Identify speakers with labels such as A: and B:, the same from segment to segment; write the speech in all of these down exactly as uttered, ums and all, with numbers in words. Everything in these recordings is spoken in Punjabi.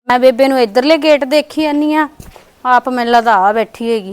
A: मैं बेबे नूं इधरले गेट देखी जानी आ आप मैनूं लगदा आ बैठी हैगी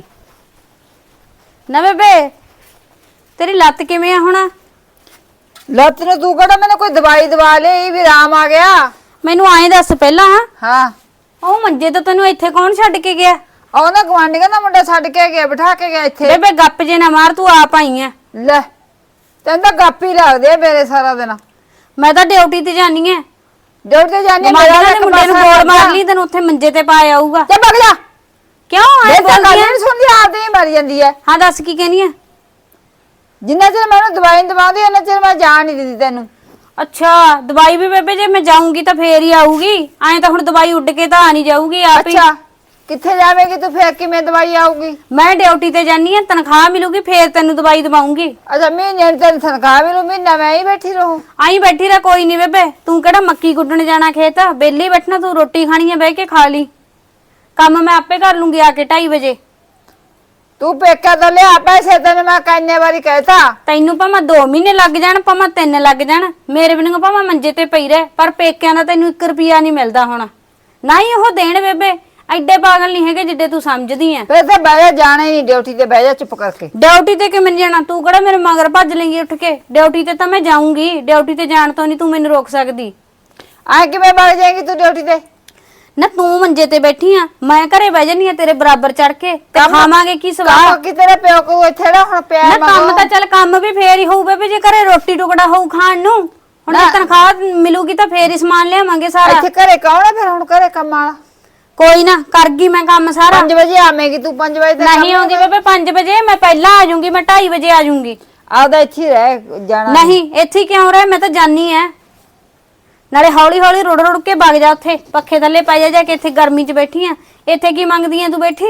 A: ना बेबे तेरी लत्त किवें आ हुण
B: लत्त नूं तू कहड़ा मैंने कोई दवाई दवा ली भी आराम आ गया
A: मैनूं आए दस पहला
B: हाँ
A: ਉਹ ਮੰਜੇ ਤੇ ਤੈਨੂੰ ਇੱਥੇ ਕੌਣ ਛੱਡ ਕੇ ਗਿਆ
B: ਉਹ ਨਾ ਗਵਾਂਢੀਆਂ ਦਾ ਮੁੰਡਾ ਛੱਡ ਕੇ ਗਿਆ ਬਿਠਾ ਕੇ ਗਿਆ ਇੱਥੇ
A: ਬੇਬੇ ਗੱਪ ਜੇ ਨਾ ਮਾਰ ਤੂੰ ਆਪ ਆਈ ਐ
B: ਲੈ ਤੈਨੂੰ ਤਾਂ ਗੱਪ ਹੀ ਲੱਗਦੇ ਆ ਮੇਰੇ ਸਾਰਾ ਦਿਨ
A: ਮੈਂ ਤਾਂ ਡਿਊਟੀ ਤੇ ਜਾਨੀ ਐ
B: ਡਿਊਟੀ ਤੇ ਜਾਨੀ
A: ਮੇਰਾ ਤਾਂ ਮੁੰਡੇ ਨੂੰ ਗੋਲ ਮਾਰ ਲਈ ਤੈਨੂੰ ਉੱਥੇ ਮੰਜੇ ਤੇ ਪਾ ਆਊਗਾ
B: ਤੇ ਵਗ ਜਾ
A: ਕਿਉਂ ਆਏ
B: ਬੋਲਦੀ ਐ ਸੁਣਦੀ ਆਪਦੇ ਹੀ ਮਰ ਜਾਂਦੀ ਐ
A: ਹਾਂ ਦੱਸ ਕੀ ਕਹਿਨੀ ਐ
B: ਜਿੰਨਾ ਚਿਰ ਮੈਨੂੰ ਦਵਾਈ ਦਵਾਉਂਦੀ ਉਹਨਾਂ ਚਿਰ ਮੈਂ ਜਾਣ ਨਹੀਂ ਦਿੰਦੀ ਤੈਨੂੰ
A: अच्छा दवाई भी बेबे जे मैं जाऊंगी तो फेर ही आऊगी आए तो हुण दवाई उड़ के तो आ नहीं जाऊगी आप ही
B: अच्छा किथे जावेगी तू फिर किवें दवाई आऊगी
A: मैं ड्यूटी ते जानी है तनख्वाह मिलूगी फिर तैनू दवाई दवाऊंगी
B: अच्छा महीने तेन तनख्वाह मिलू महीना मैं ही बैठी रहूं
A: आई बैठी रह कोई नहीं बेबे तू केड़ा मक्की गुड्डण जाना खेत बेली बैठना तू रोटी खानी है बह के खा ली काम मैं आपे कर लूंगी आके ढाई बजे
B: तू पेका तो लिया पैसे तेन मैं किन्ने बारी कहता
A: तैनू भावें दो महीने लग जाण भावें तीन लग जाण मेरे बिना भावें मंजे ते पई रह पर पेकिਆਂ ਦਾ तैनू एक रुपया नहीं मिलदा हुण ना ही ਉਹ देण बेबे ਐਡੇ ਪਾਗਲ ਨਹੀਂ ਹੈਗੇ ਜਿੱਡੇ ਤੂੰ ਸਮਝਦੀ ਐ
B: ਫਿਰ ਤੇ ਬਹਿ ਜਾ ਜਾਣਾ ਹੀ ਨਹੀਂ ਡਿਊਟੀ ਤੇ ਬਹਿ ਜਾ ਚੁੱਪ ਕਰਕੇ
A: ਡਿਊਟੀ ਤੇ ਕਿਵੇਂ ਜਾਣਾ ਤੂੰ ਕਿਹੜਾ ਮੇਰੇ ਮਗਰ ਭੱਜ ਲੇਂਗੀ ਉੱਠ ਕੇ ਡਿਊਟੀ ਤੇ ਤਾਂ ਮੈਂ ਜਾਊਂਗੀ ਡਿਊਟੀ ਤੇ ਜਾਣ ਤੋਂ ਨਹੀਂ ਤੂੰ ਮੈਨੂੰ ਰੋਕ ਸਕਦੀ
B: ਆ ਕਿਵੇਂ ਵਗ ਜਾਏਗੀ ਤੂੰ ਡਿਊਟੀ ਤੇ
A: ਨਾ ਤੂੰ ਮੰਜੇ ਤੇ ਬੈਠੀ ਆ ਮੈਂ ਘਰੇ ਬਹਿ ਜਾਨੀ ਆ ਤੇਰੇ ਬਰਾਬਰ ਚੜ ਕੇ ਤੇ ਖਾਵਾਂਗੇ ਕੀ ਸਵਾਦ
B: ਕੰਮ ਕਿ ਤੇਰੇ ਪਿਓ ਕੋ ਇੱਥੇ ਨਾ ਹੁਣ ਪਿਆ
A: ਨਾ ਕੰਮ ਤਾਂ ਚੱਲ ਕੰਮ ਵੀ ਫੇਰ ਹੀ ਹੋਊ ਬੇਬੇ ਜੇ ਘਰੇ ਰੋਟੀ ਟੁਕੜਾ ਹੋਊ ਖਾਣ ਨੂੰ ਹੁਣ ਤਨਖਾਹ ਮਿਲੂਗੀ ਤਾਂ ਫੇਰ ਹੀ ਸਮਾਨ ਲਿਆਵਾਂਗੇ ਸਾਰਾ
B: ਇੱਥੇ ਘਰੇ ਕੌਣ ਹੈ ਫਿਰ ਹੁਣ ਘਰੇ ਕੰਮ ਵਾਲਾ
A: ਕੋਈ ਨਾ ਕਰ ਗਈ ਮੈਂ ਕੰਮ ਸਾਰਾ
B: ਪੰਜ ਵਜੇ ਆਵੇਂਗੀ ਤੂੰ ਪੰਜ ਵਜੇ ਤੱਕ
A: ਨਹੀਂ ਆਉਂਦੀ ਬੇਬੇ ਪੰਜ ਵਜੇ ਮੈਂ ਪਹਿਲਾਂ ਆ ਜਾਊਂਗੀ ਮੈਂ ਢਾਈ ਵਜੇ ਆ ਜਾਊਂਗੀ
B: ਆਪਦਾ ਇੱਥੇ ਹੀ ਰਹਿ ਜਾਣਾ
A: ਨਹੀਂ ਇੱਥੇ ਕਿਉਂ ਰਹਿ ਮੈਂ ਤਾਂ ਜਾਨੀ ਐ ਨਾਲੇ ਹੌਲੀ ਹੌਲੀ ਰੁੜ ਰੁੜ ਕੇ ਵਗ ਜਾ ਉੱਥੇ ਪੱਖੇ ਥੱਲੇ ਪੈ ਜਾ ਜਾ ਕੇ ਇੱਥੇ ਗਰਮੀ 'ਚ ਬੈਠੀ ਆ ਇੱਥੇ ਕੀ ਮੰਗਦੀ ਐ ਤੂੰ ਬੈਠੀ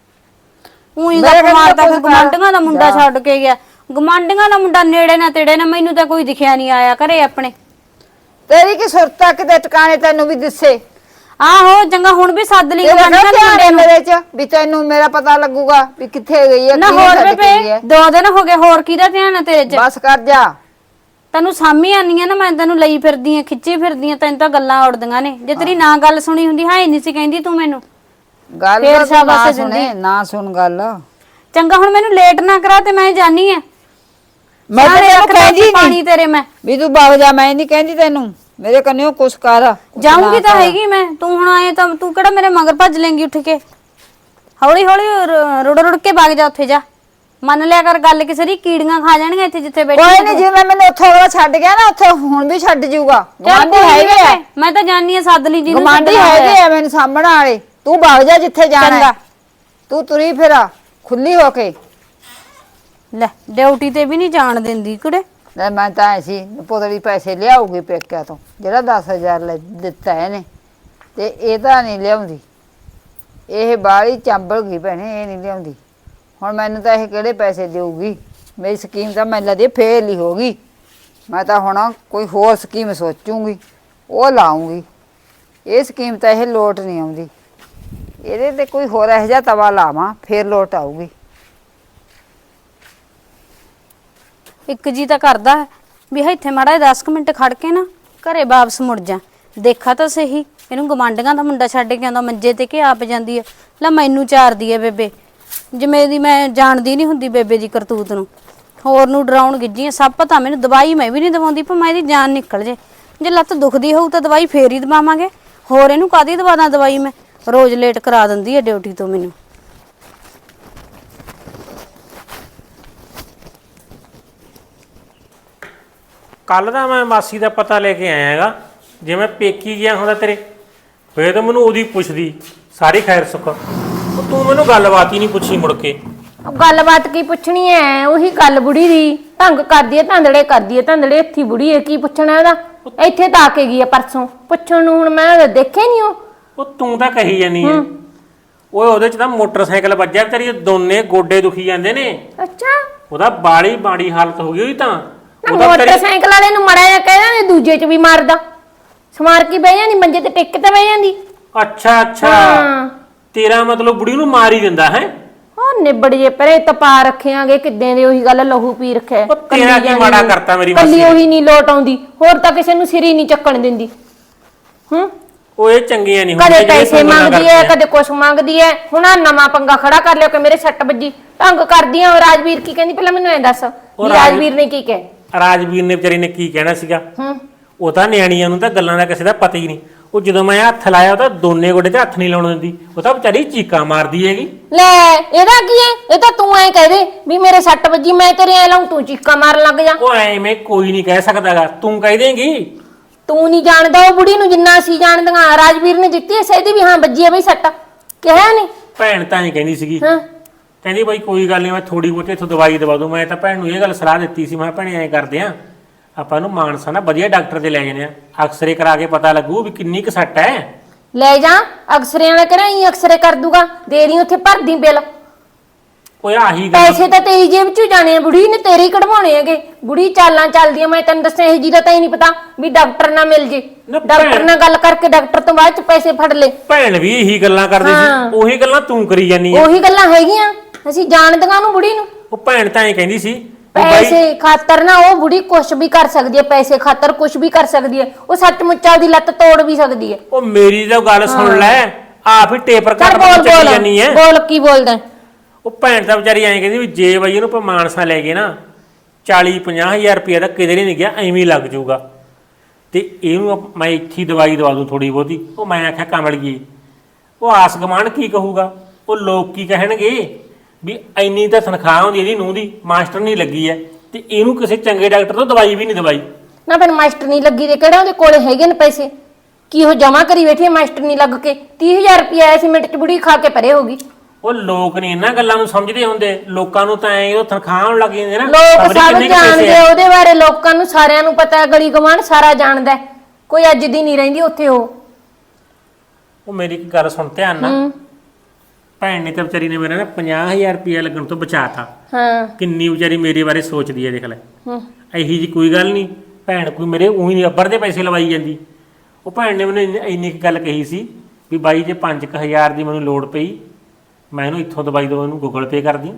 A: ਉਹੀ ਗੱਪ ਮਾਰਦਾ ਫਿਰ ਗਮਾਂਡੀਆਂ ਦਾ ਮੁੰਡਾ ਛੱਡ ਕੇ ਗਿਆ ਗਮਾਂਡੀਆਂ ਦਾ ਮੁੰਡਾ ਨੇੜੇ ਨਾ ਤੇੜੇ ਨਾ ਮੈਨੂੰ ਤਾਂ ਕੋਈ ਦਿਖਿਆ ਨਹੀਂ ਆਇਆ ਘਰੇ ਆਪਣੇ
B: ਤੇਰੀ ਕੀ ਸੁਰਤਾ ਕਿਤੇ ਟਿਕਾਣੇ ਤੈਨੂੰ ਵੀ ਦਿਸੇ
A: ਆਹੋ ਚੰਗਾ ਹੁਣ ਵੀ ਸੱਦ ਲਈ ਗਮਾਂਡੀਆਂ ਦੇ ਮੁੰਡੇ ਨੂੰ
B: ਮੇਰੇ 'ਚ ਵੀ ਤੈਨੂੰ ਮੇਰਾ ਪਤਾ ਲੱਗੂਗਾ ਵੀ ਕਿੱਥੇ ਗਈ ਐ
A: ਨਾ ਹੋਰ ਬੇਬੇ ਦੋ ਦਿਨ ਹੋ ਗਏ ਹੋਰ ਕਿਹਦਾ ਧਿਆਨ ਹੈ ਤੇਰੇ 'ਚ
B: ਬਸ ਕਰ ਜਾ
A: ਤੈਨੂੰ ਸਾਮੀ ਆਨੀ ਆ ਨਾ ਮੈਂ ਤੈਨੂੰ ਲਈ ਫਿਰਦੀ ਆ ਖਿੱਚੀ ਫਿਰਦੀ ਆ ਤੈਨੂੰ ਤਾਂ ਗੱਲਾਂ ਉੜਦੀਆਂ ਨੇ ਜੇ ਤੇਰੀ ਨਾ ਗੱਲ ਸੁਣੀ ਹੁੰਦੀ ਹਾਏ ਨਹੀਂ ਸੀ ਕਹਿੰਦੀ ਤੂੰ ਮੈਨੂੰ
B: ਗੱਲ ਨਾ ਸੁਣੇ ਨਾ ਸੁਣ ਗੱਲ
A: ਚੰਗਾ ਹੁਣ ਮੈਨੂੰ ਲੇਟ ਨਾ ਕਰਾ ਤੇ ਮੈਂ ਜਾਨੀ ਆ
B: ਮੈਂ ਤੈਨੂੰ ਕਹਿੰਦੀ
A: ਪਾਣੀ ਤੇਰੇ ਮੈਂ
B: ਵੀ ਤੂੰ ਵਗ ਜਾ ਮੈਂ ਨਹੀਂ ਕਹਿੰਦੀ ਤੈਨੂੰ ਮੇਰੇ ਕੰਨਿਓ ਕੁਛ ਕਰ
A: ਜਾਊਂਗੀ ਤਾਂ ਹੈਗੀ ਮੈਂ ਤੂੰ ਹੁਣ ਆਏ ਤਾਂ ਤੂੰ ਕਿਹੜਾ ਮੇਰੇ ਮਗਰ ਭੱਜ ਲੇਂਗੀ ਉੱਠ ਕੇ ਹੌਲੀ ਹੌਲੀ ਰੁੜ ਰੁੜ ਕੇ ਵਗ ਜਾ ਉੱਥੇ ਜਾ ਮੰਨ ਲਿਆ ਕਰ ਗੱਲ ਕਿਸੇ ਦੀ ਕੀੜੀਆਂ ਖਾ ਜਾਣਗੀਆਂ ਇੱਥੇ ਜਿੱਥੇ ਬੈਠੀ
B: ਕੋਈ ਨਹੀਂ ਜਿਵੇਂ ਮੈਨੂੰ ਉੱਥੋਂ ਵਾਲਾ ਛੱਡ ਗਿਆ ਨਾ ਉੱਥੇ ਹੁਣ ਵੀ ਛੱਡ ਜਾਊਗਾ ਗਵਾਂਢੀ ਹੈਗੇ ਆ
A: ਮੈਂ ਤਾਂ ਜਾਨੀ ਆ ਸੱਦ ਲਈ ਜਿਹਨੂੰ
B: ਗਵਾਂਢੀ ਹੈਗੇ ਆ ਮੈਨੂੰ ਸਾਹਮਣੇ ਵਾਲੇ ਤੂੰ ਵਗ ਜਾ ਜਿੱਥੇ ਜਾਣਾ ਤੂੰ ਤੁਰੀ ਫਿਰਾ ਖੁੱਲੀ ਹੋ ਕੇ
A: ਲੈ ਡਿਊਟੀ ਤੇ ਵੀ ਨਹੀਂ ਜਾਣ ਦਿੰਦੀ ਕੁੜੇ
B: ਲੈ ਮੈਂ ਤਾਂ ਐਸੀ ਪੁੱਤਰੀ ਪੈਸੇ ਲਿਆਉਗੀ ਪੇਕਿਆਂ ਤੋਂ ਜਿਹੜਾ ਦਸ ਹਜ਼ਾਰ ਲੈ ਦਿੱਤਾ ਇਹਨੇ ਤੇ ਇਹ ਤਾਂ ਨਹੀਂ ਲਿਆਉਂਦੀ ਇਹ ਬਾਹਲੀ ਚੰਬਲ ਗਈ ਭੈਣੇ ਇਹ ਨਹੀਂ ਲਿਆਉਂਦੀ ਹੁਣ ਮੈਨੂੰ ਤਾਂ ਇਹ ਕਿਹੜੇ ਪੈਸੇ ਦੇਊਗੀ ਮੇਰੀ ਸਕੀਮ ਤਾਂ ਮੈਨੂੰ ਲੱਗਦੀ ਫੇਲ ਹੀ ਹੋ ਗਈ ਮੈਂ ਤਾਂ ਹੁਣ ਕੋਈ ਹੋਰ ਸਕੀਮ ਸੋਚੂਗੀ ਉਹ ਲਾਉਂਗੀ ਇਹ ਸਕੀਮ ਤਾਂ ਇਹ ਲੋਟ ਨਹੀਂ ਆਉਂਦੀ ਇਹਦੇ ਤੇ ਕੋਈ ਹੋਰ ਇਹੋ ਜਿਹਾ ਤਵਾ ਲਾਵਾਂ ਫੇਰ ਲੋਟ ਆਊਗੀ
A: ਇੱਕ ਜੀ ਤਾਂ ਕਰਦਾ ਵੀ ਇੱਥੇ ਮਾੜਾ ਦਸ ਮਿੰਟ ਖੜ ਕੇ ਨਾ ਘਰੇ ਵਾਪਸ ਮੁੜ ਜਾ ਦੇਖਾ ਤਾਂ ਸਹੀ ਇਹਨੂੰ ਗਮਾਂਡੀਆਂ ਦਾ ਮੁੰਡਾ ਛੱਡ ਕੇ ਆਉਂਦਾ ਮੰਜੇ ਤੇ ਕਿ ਆਪ ਜਾਂਦੀ ਆ ਲੈ ਮੈਨੂੰ ਚਾਰਦੀ ਆ ਬੇਬੇ ਜਿਵੇਂ ਦੀ ਮੈਂ ਜਾਣਦੀ ਨਹੀਂ ਹੁੰਦੀ ਬੇਬੇ ਦੀ ਕਰਤੂਤ ਨੂੰ ਹੋਰ ਨੂੰ ਡਰਾਉਣ ਗਿੱਜੀਆਂ ਸਭ ਪਤਾ ਮੈਨੂੰ ਦਵਾਈ ਮੈਂ ਵੀ ਨਹੀਂ ਦਵਾਉਂਦੀ ਪਰ ਮੈਂ ਇਹਦੀ ਜਾਨ ਨਿਕਲ ਜੇ ਜੇ ਲੱਤ ਦੁਖਦੀ ਹੋਊ ਤਾਂ ਦਵਾਈ ਫੇਰ ਹੀ ਦਵਾਵਾਂਗੇ ਹੋਰ ਇਹਨੂੰ ਕਾਹਦੀ ਦਵਾਦਾ ਦਵਾਈ ਮੈਂ ਰੋਜ਼ ਲੇਟ ਕਰਾ ਦਿੰਦੀ ਆ ਡਿਊਟੀ ਤੋਂ ਮੈਨੂੰ
C: ਕੱਲ ਦਾ ਮੈਂ ਮਾਸੀ ਦਾ ਪਤਾ ਲੈ ਕੇ ਆਇਆ ਹੈਗਾ ਜੇ ਮੈਂ ਪੇਕੀ ਗਿਆ ਹੁੰਦਾ ਤੇਰੇ ਫੇਰ ਤਾਂ ਮੈਨੂੰ ਉਹਦੀ ਪੁੱਛਦੀ ਸਾਰੀ ਖੈਰ ਸੁੱਖ ਤੂੰ ਮੈਨੂੰ ਗੱਲਬਾਤ ਹੀ ਨਹੀਂ ਪੁੱਛੀ ਮੁੜ ਕੇ
D: ਗੱਲਬਾਤ ਕੀ ਪੁੱਛਣੀ ਐ ਉਹੀ ਗੱਲ ਬੁੜੀ ਦੀ ਢੰਗ ਕਰਦੀ ਐ ਧੰਦੜੇ ਕਰਦੀ ਐ ਧੰਦੜੇ ਇੱਥੇ ਬੁੜੀ ਐ ਕੀ ਪੁੱਛਣਾ ਇਹਦਾ ਇੱਥੇ ਤਾਂ ਆ ਕੇ ਗਈ ਐ ਪਰਸੋਂ ਪੁੱਛਣ ਨੂੰ ਹੁਣ ਮੈਂ ਦੇਖੇ ਨਹੀਂ ਉਹ
C: ਉਹ ਤੂੰ ਤਾਂ ਕਹੀ ਜਾਨੀ ਐ ਓਏ ਉਹਦੇ ਚ ਤਾਂ ਮੋਟਰਸਾਈਕਲ ਵੱਜਿਆ ਵਿਚਾਰੀ ਦੋਨੇ ਗੋਡੇ ਦੁਖੀ ਜਾਂਦੇ ਨੇ
D: ਅੱਛਾ
C: ਉਹਦਾ ਬਾਲੀ ਬਾੜੀ ਹਾਲਤ ਹੋ ਗਈ ਹੋਈ ਤਾਂ
D: ਮੋਟਰਸਾਈਕਲ ਵਾਲੇ ਨੂੰ ਮੜਾ ਜਾ ਕਹਿ ਜਾਂਦੇ ਦੂਜੇ ਚ ਵੀ ਮਾਰਦਾ ਸਮਾਰ ਕੇ ਬਹਿ ਜਾਂਦੀ ਮੰਜੇ ਤੇ ਟਿੱਕ ਤੇ ਬਹਿ ਜਾਂਦੀ
C: ਅੱਛਾ ਅੱਛਾ ਤੇਰਾ ਮਤਲਬ ਬੁੜੀ ਨੂੰ ਮਾਰ ਹੀ ਦਿੰਦਾ ਹੈ
D: ਉਹ ਨਿਬੜ ਜੇ ਪਰੇ ਤਪਾ ਰੱਖਿਆਂਗੇ ਕਿੱਦਾਂ ਦੇ ਉਹੀ ਗੱਲ ਲਹੂ ਪੀ ਰੱਖਿਆ
C: ਤੇਰਾ ਕੀ ਮਾੜਾ ਕਰਤਾ ਮੇਰੀ ਮਾਸੀ
D: ਕੱਲੀ ਉਹੀ ਨਹੀਂ ਲੋਟ ਆਉਂਦੀ ਹੋਰ ਤਾਂ ਕਿਸੇ ਨੂੰ ਸਿਰ ਹੀ ਨਹੀਂ ਚੱਕਣ ਦਿੰਦੀ ਹੂੰ
C: ਉਹ ਇਹ ਚੰਗੀਆਂ ਨਹੀਂ
D: ਕਦੇ
C: ਜਿਹੜੀਆਂ
D: ਪੈਸੇ
C: ਤੂੰ ਗੱਲਾਂ
D: ਮੰਗਦੀ
C: ਕਰਦੀ
D: ਐ
C: ਐ।
D: ਕਦੇ ਕੁਛ ਮੰਗਦੀ ਐ। ਹੁਣ ਆਹ ਨਵਾਂ ਪੰਗਾ ਖੜਾ ਕਰ ਲਿਓ ਕਿ ਮੇਰੇ ਸੱਟ ਵੱਜੀ ਢੰਗ ਕਰਦੀ ਆ। ਰਾਜਵੀਰ ਕੀ ਕਹਿੰਦੀ ਪਹਿਲਾਂ ਮੈਨੂੰ ਐਂ ਦੱਸ ਵੀ
C: ਰਾਜ-
D: ਰਾਜਵੀਰ ਨੇ ਕੀ ਕਿਹਾ?
C: ਰਾਜਵੀਰ ਨੇ ਵਿਚਾਰੀ ਨੇ ਕੀ ਕਹਿਣਾ ਸੀਗਾ?
D: ਹੂੰ
C: ਉਹ ਤਾਂ ਨਿਆਣੀਆਂ ਨੂੰ ਤਾਂ ਗੱਲਾਂ ਦਾ ਕਿਸੇ ਦਾ ਪਤਾ ਹੀ ਨਹੀਂ। ਉਹ ਜਦੋਂ ਮੈਂ ਹੱਥ ਲਾਇਆ ਉਹ ਤਾਂ ਦੋਨੇ ਗੋਡੇ ਤੇ ਹੱਥ ਨਹੀਂ ਲਾਉਣ ਦਿੰਦੀ। ਉਹ ਤਾਂ ਵਿਚਾਰੀ ਚੀਕਾਂ ਮਾਰਦੀ ਹੈਗੀ।
D: ਲੈ ਇਹਦਾ ਕੀ ਐ? ਇਹ ਤਾਂ ਤੂੰ ਐਂ ਕਹਿ ਦੇ ਵੀ ਮੇਰੇ ਸੱਟ ਵੱਜੀ ਮੈਂ ਤੇਰੇ ਐ ਲਾਉਂ ਤੂੰ ਚੀਕਾਂ ਮਾਰਨ ਲੱਗ ਜਾ।
C: ਉਹ ਐਵੇਂ ਕੋਈ ਨਹੀਂ ਕਹਿ ਸਕਦਾਗਾ, ਤੂੰ ਕਹਿ ਦੇਂਗੀ।
D: ਤੂੰ ਨਹੀਂ ਜਾਣਦਾ ਉਹ ਬੁੜੀ ਨੂੰ ਜਿੰਨਾ ਅਸੀਂ ਜਾਣਦੀਆਂ। ਰਾਜਵੀਰ ਨੇ ਦਿੱਤੀ ਐ ਸਹਿਦੀ ਵੀ ਹਾਂ ਵੱਜੀ ਐ ਬਈ ਸੱਟ ਕਿਹਾ ਨਹੀਂ?
C: ਭੈਣ ਤਾਂ ਹੀ ਕਹਿੰਦੀ ਸੀਗੀ,
D: ਹਾਂ
C: ਕਹਿੰਦੀ ਬਈ ਕੋਈ ਗੱਲ ਨਹੀਂ ਮੈਂ ਥੋੜੀ ਬਹੁਤੀ ਇੱਥੋਂ ਦਵਾਈ ਦਵਾ ਦੂੰ। ਮੈਂ ਤਾਂ ਭੈਣ ਨੂੰ ਇਹ ਗੱਲ ਸਲਾਹ ਦਿੱਤੀ ਸੀ, ਮੈਂ ਭੈਣੇ ਐਂ ਕਰਦੇ ਆ ਆਪਾਂ ਨੂੰ ਮਾਨਸਾ ਨਾ ਵਧੀਆ ਡਾਕਟਰ ਤੇ ਲੈ ਜਾਂਦੇ ਆ, ਅਕਸਰੇ ਕਰਾ ਕੇ ਪਤਾ ਲੱਗੂ ਵੀ ਕਿੰਨੀ ਕੁ ਸੱਟ ਹੈ।
D: ਲੈ ਜਾ ਅਕਸਰਿਆਂ ਦਾ ਕਿਹੜਾ ਹੀ ਅਕਸਰੇ ਕਰ ਦੂਗਾ। ਦੇ ਦੀ ਉੱਥੇ ਭਰਦੀ ਬਿੱਲ।
C: ਓਏ ਆਹੀ ਗੱਲ
D: ਪੈਸੇ ਤਾਂ ਤੇਰੀ ਜੇਬ ਚੋਂ ਜਾਣੇ ਆ। ਬੁੜੀ ਨੇ ਤੇਰੇ ਹੀ ਕਢਵਾਉਣੇ ਹੈਗੇ। ਬੁੜੀ ਚਾਲਾਂ ਚੱਲਦੀਆਂ ਮੈਂ ਤੈਨੂੰ ਦੱਸਿਆ ਇਹ ਜੀ ਦਾ ਤਾਂ ਹੀ ਨਹੀਂ ਪਤਾ ਵੀ ਡਾਕਟਰ ਨਾ ਮਿਲ ਜੇ।
C: ਨਾ
D: ਡਾਕਟਰ
C: ਭੈਣ-
D: ਨਾਲ ਗੱਲ ਕਰਕੇ ਡਾਕਟਰ ਤੋਂ ਬਾਅਦ ਚ ਪੈਸੇ ਫੜ ਲੈ।
C: ਭੈਣ ਵੀ ਇਹੀ ਗੱਲਾਂ ਕਰਦੀ
D: ਹਾਂ।
C: ਸੀ, ਉਹੀ ਗੱਲਾਂ ਤੂੰ ਕਰੀ ਜਾਨੀ ਆ।
D: ਉਹੀ ਗੱਲਾਂ ਹੈਗੀਆਂ ਅਸੀਂ ਜਾਣਦੀਆਂ ਨੂੰ ਬੁੜੀ ਨੂੰ।
C: ਉਹ ਭੈਣ ਤਾਂ ਐਂ ਕਹਿੰਦੀ ਸੀ ਵੀ ਬਾਈ
D: ਪੈਸੇ ਖਾਤਰ ਨਾ ਉਹ ਬੁੜੀ ਕੁਛ ਵੀ ਕਰ ਸਕਦੀ ਹੈ। ਪੈਸੇ ਖਾਤਰ ਕੁਛ ਵੀ ਕਰ ਸਕਦੀ ਹੈ। ਉਹ ਸੱਚਮੁੱਚ ਉਹਦੀ ਲੱਤ ਤੋੜ ਵੀ ਸਕਦੀ ਹੈ।
C: ਉਹ ਮੇਰੀ ਤਾਂ ਗੱਲ ਸੁਣ ਲੈ, ਆਪ ਹੀ ਟੇਪਰ
D: ਚੱਲ
C: ਕੱਟ
D: ਬੋਲ
C: ਕੇ ਚੱਲੀ
D: ਬੋਲ
C: ਜਾਨੀ ਐ।
D: ਬੋਲ ਕੀ ਬੋਲਦਾ?
C: ਉਹ ਭੈਣ ਤਾਂ ਵਿਚਾਰੀ ਐਂ ਕਹਿੰਦੀ ਵੀ ਜੇ ਬਈ ਇਹਨੂੰ ਆਪਾਂ ਮਾਨਸਾ ਲੈ ਗਏ ਨਾ ਚਾਲੀ ਪੰਜਾਹ ਹਜ਼ਾਰ ਰੁਪਏ ਦਾ ਕਿਧਰੇ ਨਹੀਂ ਗਿਆ, ਐਵੇਂ ਹੀ ਲੱਗ ਜਾਊਗਾ ਤੇ ਇਹਨੂੰ ਆਪ- ਮੈਂ ਇੱਥੇ ਹੀ ਦਵਾਈ ਦਵਾ ਦੂੰ ਥੋੜੀ ਬਹੁਤੀ। ਉਹ ਮੈਂ ਆਖਿਆ ਕਮਲਗੀ ਉਹ ਆਸ ਗਮਾਨ ਕੀ ਕਹੂਗਾ, ਉਹ ਲੋਕ ਕੀ ਕਹਿਣਗੇ ਵੀ ਇੰਨੀ ਤਾਂ ਤਨਖਾਹ ਹੁੰਦੀ ਇਹਦੀ ਨੂੰਹ ਦੀ, ਮਾਸਟਰ ਨਹੀਂ ਲੱਗੀ ਐ ਤੇ ਇਹਨੂੰ ਕਿਸੇ ਚੰਗੇ ਡਾਕਟਰ ਤੋਂ ਦਵਾਈ ਵੀ ਨਹੀਂ ਦਵਾਈ।
D: ਨਾ ਫਿਰ ਮਾਸਟਰ ਨਹੀਂ ਲੱਗੀ ਤੇ ਕਿਹੜਾ ਉਹਦੇ ਕੋਲੇ ਹੈਗੇ ਨੇ ਪੈਸੇ? ਕੀ ਉਹ ਜਮਾ ਕਰੀ ਬੈਠੀ ਹੈ ਮਾਸਟਰ ਨਹੀਂ ਲੱਗ ਕੇ? ਤੀਹ ਹਜ਼ਾਰ ਰੁਪਏ ਆਇਆ ਸੀ ਮਿੰਟ ਚ ਬੁੜੀ ਖਾ ਕੇ ਪਰੇ ਹੋਗੀ।
C: ਉਹ ਲੋਕ ਨਹੀਂ ਇਹਨਾਂ ਗੱਲਾਂ ਨੂੰ ਸਮਝਦੇ ਹੁੰਦੇ, ਲੋਕਾਂ ਨੂੰ ਤਾਂ ਐ ਉਹ ਤਨਖਾਹ ਹੋਣ ਲੱਗ ਜਾਂਦੇ ਨਾ।
D: ਲੋਕ
C: ਖਬਰੇ
D: ਸਭ
C: ਕਿੰਨੇ ਕੁ ਪੈਸੇ
D: ਜਾਣਦੇ
C: ਆ।
D: ਆ ਉਹਦੇ ਬਾਰੇ। ਲੋਕਾਂ ਨੂੰ ਸਾਰਿਆਂ ਨੂੰ ਪਤਾ ਹੈ। ਗਲੀ ਗਵਾਂਢ ਸਾਰਾ ਜਾਣਦਾ ਹੈ। ਕੋਈ ਅੱਜ ਦੀ ਨਹੀਂ ਰਹਿੰਦੀ ਉੱਥੇ ਉਹ।
C: ਉਹ ਮੇਰੀ ਇੱਕ ਗੱਲ ਸੁਣ ਧਿਆਨ ਨਾਲ।
D: ਹੂੰ
C: ਭੈਣ ਨੇ ਤਾਂ ਵਿਚਾਰੀ ਨੇ ਮੇਰਾ ਨਾ ਪੰਜਾਹ ਹਜ਼ਾਰ ਰੁਪਇਆ ਲੱਗਣ ਤੋਂ ਬਚਾਤਾ।
D: ਹਾਂ
C: ਕਿੰਨੀ ਵਿਚਾਰੀ ਮੇਰੇ ਬਾਰੇ ਸੋਚਦੀ ਹੈ ਦੇਖ ਲੈ।
D: ਹੂੰ
C: ਇਹੀ ਜੀ ਕੋਈ ਗੱਲ ਨਹੀਂ, ਭੈਣ ਕੋਈ ਮੇਰੇ ਉਹੀ ਨਹੀਂ ਅੱਬਰ ਦੇ ਪੈਸੇ ਲਵਾਈ ਜਾਂਦੀ। ਉਹ ਭੈਣ ਨੇ ਮੈਨੂੰ ਇੰਨੀ- ਇੰਨੀ ਕੁ ਗੱਲ ਕਹੀ ਸੀ ਵੀ ਬਾਈ ਜੇ ਪੰਜ ਕੁ ਹਜ਼ਾਰ ਦੀ ਮੈਨੂੰ ਲੋੜ ਪਈ ਮੈਂ ਇਹਨੂੰ ਇੱਥੋਂ ਦਵਾਈ ਦਵਾ ਇਹਨੂੰ ਗੂਗਲ ਪੇ ਕਰਦੀ।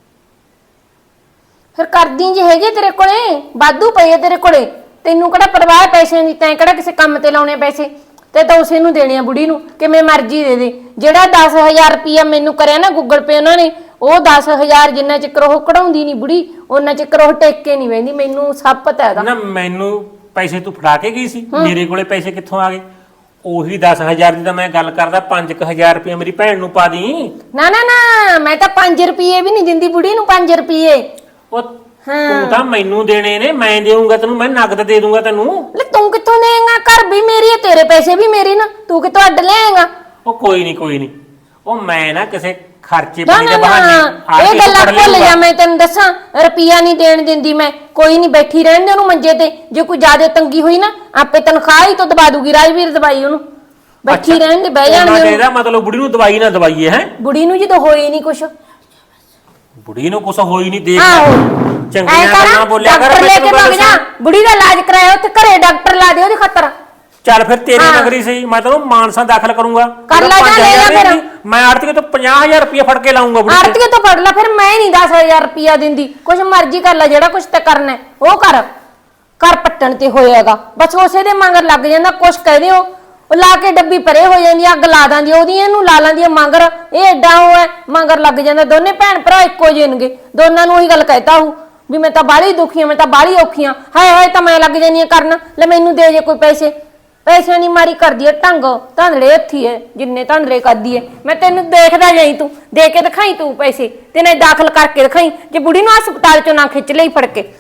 D: ਫਿਰ ਕਰਦੀ ਜੇ ਹੈਗੇ ਤੇਰੇ ਕੋਲੇ ਵਾਧੂ ਪਏ ਆ ਤੇਰੇ ਕੋਲੇ। ਤੈਨੂੰ ਕਿਹੜਾ ਪਰਵਾਹ ਪੈਸਿਆਂ ਦੀ? ਤੈਂ ਕਿਹੜਾ ਕਿਸੇ ਕੰਮ ਤੇ ਲਾਉਣੇ ਪੈਸੇ? ਤੇ ਤਾਂ ਉਸੇ ਨੂੰ ਦੇਣੇ ਆ ਬੁੜੀ ਨੂੰ ਕਿਵੇਂ ਮਰਜ਼ੀ ਦੇ ਦੇ। ਜਿਹੜਾ ਦਸ ਹਜ਼ਾਰ ਰੁਪਇਆ ਮੈਨੂੰ ਕਰਿਆ ਨਾ ਗੂਗਲ ਪੇ ਉਹਨਾਂ ਨੇ, ਉਹ ਦਸ ਹਜ਼ਾਰ ਜਿੰਨਾ ਚਿਰ ਉਹ ਕਢਾਉਂਦੀ ਨਹੀਂ ਬੁੜੀ ਉਹਨਾਂ ਚਿਰ ਉਹ ਟੇਕ ਕੇ ਨਹੀਂ ਵਹਿੰਦੀ। ਮੈਨੂੰ ਸਭ ਪਤਾ ਹੈਗਾ।
C: ਨਾ ਮੈਨੂੰ ਪੈਸੇ ਤੂੰ ਫੜਾ ਕੇ ਗਈ ਸੀ, ਮੇਰੇ ਕੋਲੇ ਪੈਸੇ ਕਿੱਥੋਂ ਆ ਗਏ? ਉਹੀ ਦਸ ਹਜ਼ਾਰ ਦੀ ਤਾਂ ਮੈਂ ਗੱਲ ਕਰਦਾ, ਪੰਜ ਕੁ ਹਜ਼ਾਰ ਰੁਪਇਆ ਮੇਰੀ ਭੈਣ ਨੂੰ ਪਾ ਦੀ।
D: ਨਾ ਨਾ ਨਾ ਮੈਂ ਤਾਂ ਪੰਜ ਰੁਪਏ ਵੀ ਨਹੀਂ ਦਿੰਦੀ ਬੁੜੀ ਨੂੰ। ਪੰਜ ਰੁਪਏ
C: ਉਹ ਤੂੰ ਤਾਂ ਮੈਨੂੰ ਦੇਣੇ ਨੇ, ਮੈਂ ਦੇਊਂਗਾ ਤੈਨੂੰ, ਮੈਂ ਨਗਦ ਦੇ ਦੂੰਗਾ ਤੈਨੂੰ।
D: ਲੈ ਤੂੰ ਕਿੱਥੋਂ ਦੇਂਗਾ? ਘਰ ਵੀ ਮੇਰੀ ਹੈ ਤੇਰੇ ਪੈਸੇ ਵੀ ਮੇਰੇ ਨਾ। ਤੂੰ ਕਿੱਥੋਂ ਅੱਡ ਲਿਆਏਗਾ?
C: ਉਹ ਕੋਈ ਨਹੀਂ ਕੋਈ ਨਹੀਂ, ਉਹ ਮੈਂ ਨਾ ਕਿਸੇ ਖਰਚੇ
D: ਨਾ
C: ਪਾਣੀ
D: ਨਾ
C: ਦੇ ਬਹਾਨੇ
D: ਨਾ
C: ਆ
D: ਇਹ
C: ਕੇ
D: ਗੱਲਾਂ
C: ਫੜ
D: ਭੁੱਲ
C: ਲਿਆਊਂਗਾ।
D: ਜਾ। ਮੈਂ ਤੈਨੂੰ ਦੱਸਾਂ ਰੁਪਈਆ ਨਹੀਂ ਦੇਣ ਦਿੰਦੀ ਮੈਂ। ਕੋਈ ਨਹੀਂ ਬੈਠੀ ਰਹਿਣ ਦੇ ਉਹਨੂੰ ਮੰਜੇ ਤੇ। ਜੇ ਕੋਈ ਜ਼ਿਆਦਾ ਤੰਗੀ ਹੋਈ ਨਾ ਆਪੇ ਤਨਖਾਹ ਹੀ ਤੋਂ ਦਬਾ ਦੂਗੀ। ਰਾਜਵੀਰ ਦਵਾਈ ਉਹਨੂੰ ਬੈਠੀ
C: ਅੱਛਾ,
D: ਰਹਿਣ ਦੇ ਬਹਿ ਜਾਣ
C: ਉਹਨਾਂ
D: ਦੇ
C: ਦੇ ਇਹਦਾ ਮਤਲਬ ਬੁੜੀ ਨੂੰ ਦਵਾਈ ਨਾ ਦਵਾਈਏ ਹੈ?
D: ਬੁੜੀ ਨੂੰ ਜਦੋਂ ਹੋਈ ਨਹੀਂ ਕੁਛ।
C: ਬੁੜੀ ਨੂੰ ਕੁਛ ਹੋਈ ਨਹੀਂ, ਦੇਖ
D: ਆਹੋ
C: ਚੰਗੀਆਂ
D: ਐਂ
C: ਗੱਲਾਂ
D: ਕਰ
C: ਬੋਲਿਆ ਕਰ।
D: ਡਾਕਟਰ ਲੈ
C: ਮੈਨੂੰ
D: ਕੇ
C: ਗੱਲ
D: ਭੱਗ ਜਾ।
C: ਸੁਣ।
D: ਬੁੜੀ ਦਾ ਇਲਾਜ ਕਰਾਇਆ ਉੱਥੇ ਘਰੇ ਡਾਕਟਰ ਲਾ ਦੇ ਉਹਦੀ ਖਾਤਰ।
C: ਚੱਲ ਫਿਰ ਤੇਰੀ
D: ਹਾਂ।
C: ਨਗਰੀ ਸਹੀ, ਮੈਂ ਤੈਨੂੰ ਮਾਨਸਾ ਦਾਖਲ ਕਰੂੰਗਾ।
D: ਕਰ ਲੈ ਜਾ,
C: ਪੰਜ
D: ਲੈ ਜਾ
C: ਹਜ਼ਾਰ
D: ਫਿਰ।
C: ਨਹੀਂ, ਮੈਂ ਆੜਤੀ ਤੋਂ ਪੰਜਾਹ ਹਜ਼ਾਰ ਰੁਪਇਆ ਫੜ ਕੇ ਲਾਉਂਗਾ ਬੁੜੀ ਤੇ।
D: ਆਰਤੀਏ ਤੋਂ ਫੜ ਲੈ ਫਿਰ। ਮੈਂ ਨਹੀਂ ਦਸ ਹਜ਼ਾਰ ਰੁਪਈਆ ਦਿੰਦੀ। ਕੁਛ ਮਰਜ਼ੀ ਕਰ ਲੈ, ਜਿਹੜਾ ਕੁਛ ਤੇ ਕਰਨਾ ਹੈ, ਉਹ ਕਰ। ਕਰ ਪੱਟਣ ਤੇ ਹੋਏਗਾ ਬਸ ਉਸੇ ਦੇ ਮੰਗਰ ਲੱਗ ਜਾਂਦਾ। ਕੁਛ ਕਹਦੇ ਹੋ ਉਹ ਲਾ ਕੇ ਡੱਬੀ ਪਰੇ ਹੋ ਜਾਂਦੀ, ਅੱਗ ਲਾ ਦਿੰਦੀ ਉਹਦੀ, ਇਹਨੂੰ ਲਾ ਲੈਂਦੀ ਮੰਗਰ। ਇਹ ਐਡਾ ਉਹ ਹੈ ਮੰਗਰ ਲੱਗ ਜਾਂਦਾ। ਦੋਨੇ ਭੈਣ ਭਰਾ ਇੱਕੋ ਜਿਹੇ ਨੇਗੇ। ਦੋਨਾਂ ਨੂੰ ਉਹੀ ਗੱਲ ਕਹਿਤਾ ਹੂੰ ਵੀ ਮੈਂ ਤਾਂ ਬਾਹਲੀ ਦੁਖੀ ਆ, ਮੈਂ ਤਾਂ ਬਾਹਲੀ ਔਖੀ ਆ। ਹਾਏ ਹਾਏ ਤਾਂ ਮੈਂ ਲੱਗ ਜਾਂਦੀ ਆ ਕਰਨ। ਲੈ ਮੈਨੂੰ ਦੇ ਜੇ ਕੋਈ ਪੈਸੇ। ਪੈਸਿਆਂ ਦੀ ਮਾਰੀ ਕਰਦੀ ਐ ਢੰਗ। ਧਾਂਦੜੇ ਹੱਥੀ ਐ ਜਿੰਨੇ ਧਾਂਦੜੇ ਕਰਦੀ ਐ। ਮੈਂ ਤੈਨੂੰ ਦੇਖਦਾ ਜਾਈ, ਤੂੰ ਦੇ ਕੇ ਦਿਖਾਈ ਤੂੰ ਪੈਸੇ ਤੇ ਨਾ ਦਾਖਲ ਕਰਕੇ ਦਿਖਾਈ। ਜੇ ਬੁੜੀ ਨੂੰ ਹਸਪਤਾਲ ਚੋਂ ਨਾ ਖਿੱਚ ਲਈ ਫੜ ਕੇ।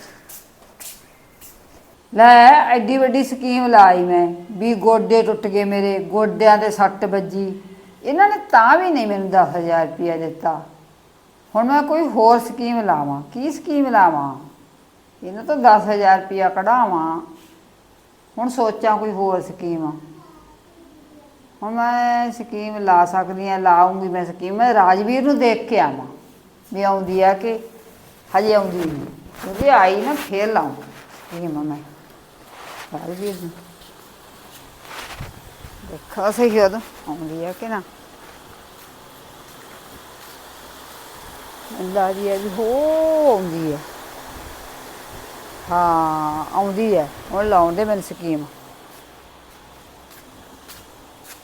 B: ਲੈ ਐਡੀ ਵੱਡੀ ਸਕੀਮ ਲਾਈ ਮੈਂ ਵੀ ਗੋਡੇ ਟੁੱਟ ਗਏ ਮੇਰੇ, ਗੋਡਿਆਂ ਤੇ ਸੱਟ ਵੱਜੀ। ਇਹਨਾਂ ਨੇ ਤਾਂ ਵੀ ਨਹੀਂ ਮੈਨੂੰ ਦਸ ਹਜ਼ਾਰ ਰੁਪਇਆ ਦਿੱਤਾ। ਹੁਣ ਮੈਂ ਕੋਈ ਹੋਰ ਸਕੀਮ ਲਾਵਾਂ। ਕੀ ਸਕੀਮ ਲਾਵਾਂ? ਇਹਨਾਂ ਤੋਂ ਦਸ ਹਜ਼ਾਰ ਰੁਪਇਆ ਕਢਾਵਾਂ। ਹੁਣ ਸੋਚਾਂ ਕੋਈ ਹੋਰ ਸਕੀਮ। ਹੁਣ ਮੈਂ ਸਕੀਮ ਲਾ ਸਕਦੀ ਹਾਂ, ਲਾਉਂਗੀ ਮੈਂ ਸਕੀਮ। ਮੈਂ ਰਾਜਵੀਰ ਨੂੰ ਦੇਖ ਕੇ ਆਵਾਂ ਵੀ ਆਉਂਦੀ ਆ ਕਿ ਹਜੇ ਆਉਂਦੀ ਨਹੀਂ। ਕਿਉਂਕਿ ਆਈ ਨਾ ਫੇਰ ਲਾਉਂ ਸਕੀਮ ਮੈਂ ਰਾਜਵੀਰ ਨੂੰ। ਦੇਖਾ ਸਹੀ ਉਦੋਂ ਆਉਂਦੀ ਆ ਕਿ ਨਾ। ਅੰਦਾਜ਼ੀ ਹੈ ਵੀ ਹੋ ਆਉਂਦੀ ਹੈ। ਹਾਂ ਆਉਂਦੀ ਹੈ। ਹੁਣ ਲਾਉਣ ਦੇ ਮੈਨੂੰ ਸਕੀਮ।